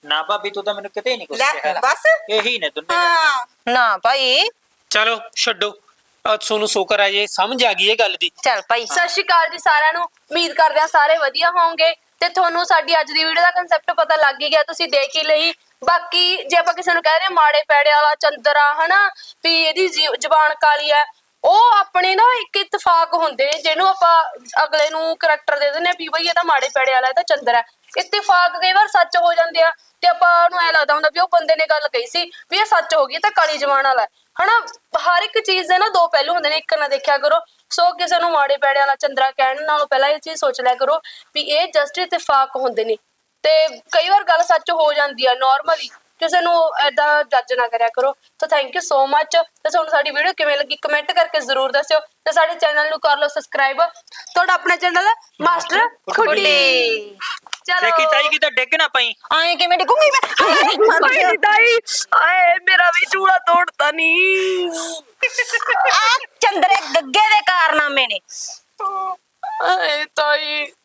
ਨਾ ਭਾਬੀ ਤੂੰ ਤਾਂ ਮੈਨੂੰ ਕਿਤੇ ਨਹੀਂ ਕੁਛ ਲੈ ਕਿਹਾ ਬਸ ਇਹੀ ਨੇ ਦੋਨੇ ਹਾਂ ਨਾ ਭਾਈ ਚਲੋ ਛੱਡੋ ਤੁਹਾਨੂੰ ਸ਼ੁਕਰ ਆ ਜੇ ਸਮਝ ਆ ਗਈ ਇਹ ਗੱਲ ਦੀ। ਚੱਲ ਭਾਈ ਸਤਿ ਸ਼੍ਰੀ ਅਕਾਲ ਜੀ ਸਾਰਿਆਂ ਨੂੰ। ਉਮੀਦ ਕਰਦੇ ਹਾਂ ਸਾਰੇ ਵਧੀਆ ਹੋਵੋਗੇ ਤੇ ਤੁਹਾਨੂੰ ਸਾਡੀ ਅੱਜ ਦੀ ਵੀਡੀਓ ਦਾ ਕਨਸੈਪਟ ਪਤਾ ਲੱਗ ਹੀ ਗਿਆ, ਤੁਸੀਂ ਦੇਖ ਹੀ ਲਈ। ਬਾਕੀ ਜੇ ਆਪਾਂ ਕਿਸੇ ਨੂੰ ਕਹਿ ਰਹੇ ਹਾਂ ਮਾੜੇ ਪੈੜੇ ਵਾਲਾ ਚੰਦਰਾ ਹਨਾ ਵੀ ਇਹਦੀ ਜ਼ਬਾਨ ਕਾਲੀ ਹੈ, ਉਹ ਆਪਣੇ ਨਾ ਇੱਕ ਇਤਫਾਕ ਹੁੰਦੇ ਨੇ ਜਿਹਨੂੰ ਆਪਾਂ ਅਗਲੇ ਨੂੰ ਕਰੈਕਟਰ ਦੇ ਦਿੰਦੇ ਆ ਵੀ ਬਈ ਇਹ ਤਾਂ ਮਾੜੇ ਪੈੜੇ ਵਾਲਾ, ਇਹ ਤਾਂ ਚੰਦਰਾ ਹੈ। ਇਤਫਾਕ ਕਈ ਵਾਰ ਸੱਚ ਹੋ ਜਾਂਦੇ ਆ ਤੇ ਆਪਾਂ ਨੂੰ ਐ ਲੱਗਦਾ ਹੁੰਦਾ ਵੀ ਉਹ ਬੰਦੇ ਨੇ ਗੱਲ ਕਹੀ ਸੀ ਵੀ ਇਹ ਸੱਚ ਹੋ ਗਈ, ਤਾਂ ਕਾਲੀ ਜ਼ਬਾਨ ਵਾਲਾ ਹਨਾ। ਹਰ ਇੱਕ ਚੀਜ਼ ਦੇ ਨਾ ਦੋ ਪਹਿਲੂ ਹੁੰਦੇ ਨੇ, ਇੱਕ ਨਾ ਦੇਖਿਆ ਕਰੋ। ਸੋ ਕਿਸੇ ਨੂੰ ਮਾੜੇ ਪੈੜੇ ਵਾਲਾ ਚੰਦਰਾ ਕਹਿਣ ਨਾਲੋਂ ਪਹਿਲਾਂ ਇਹ ਚੀਜ਼ ਸੋਚ ਲਿਆ ਕਰੋ ਵੀ ਇਹ ਜਸਟ ਇਤਫਾਕ ਹੁੰਦੇ ਨੇ ਤੇ ਕਈ ਵਾਰ ਗੱਲ ਸੱਚ ਹੋ ਜਾਂਦੀ ਆ ਨਾਰਮਲੀ, ਕਿਸੇ ਨੂੰ ਏਦਾਂ ਜੱਜ ਨਾ ਕਰਿਆ ਕਰੋ। ਤਾਂ ਥੈਂਕ ਯੂ ਸੋ ਮਚ। ਤੇ ਤੁਹਾਨੂੰ ਸਾਡੀ ਵੀਡੀਓ ਕਿਵੇਂ ਲੱਗੀ ਕਮੈਂਟ ਕਰਕੇ ਜ਼ਰੂਰ ਦੱਸਿਓ ਤੇ ਸਾਡੇ ਚੈਨਲ ਨੂੰ ਕਰ ਲਓ ਸਬਸਕ੍ਰਾਈਬ। ਤੁਹਾਡਾ ਆਪਣਾ ਚੈਨਲ ਹੈ ਮਾਸਟਰ ਖੁੱਡੀ। ਚਲੋ ਦੇਖੀ ਤਾਈ ਕਿਤੇ ਡਿੱਗ ਨਾ ਪਈ। ਆਏ ਕਿਵੇਂ ਡਿੱਗੂਗੀ ਮੈਂ ਦਾਈ ਆਏ ਮੇਰਾ ਵੀ ਚੂੜਾ ਤੋੜਤਾ ਨੀ। ਆ ਚੰਦਰੇ ਗੱਗੇ ਦੇ ਕਾਰਨਾਮੇ ਨੇ। ਆਏ ਤਾਈ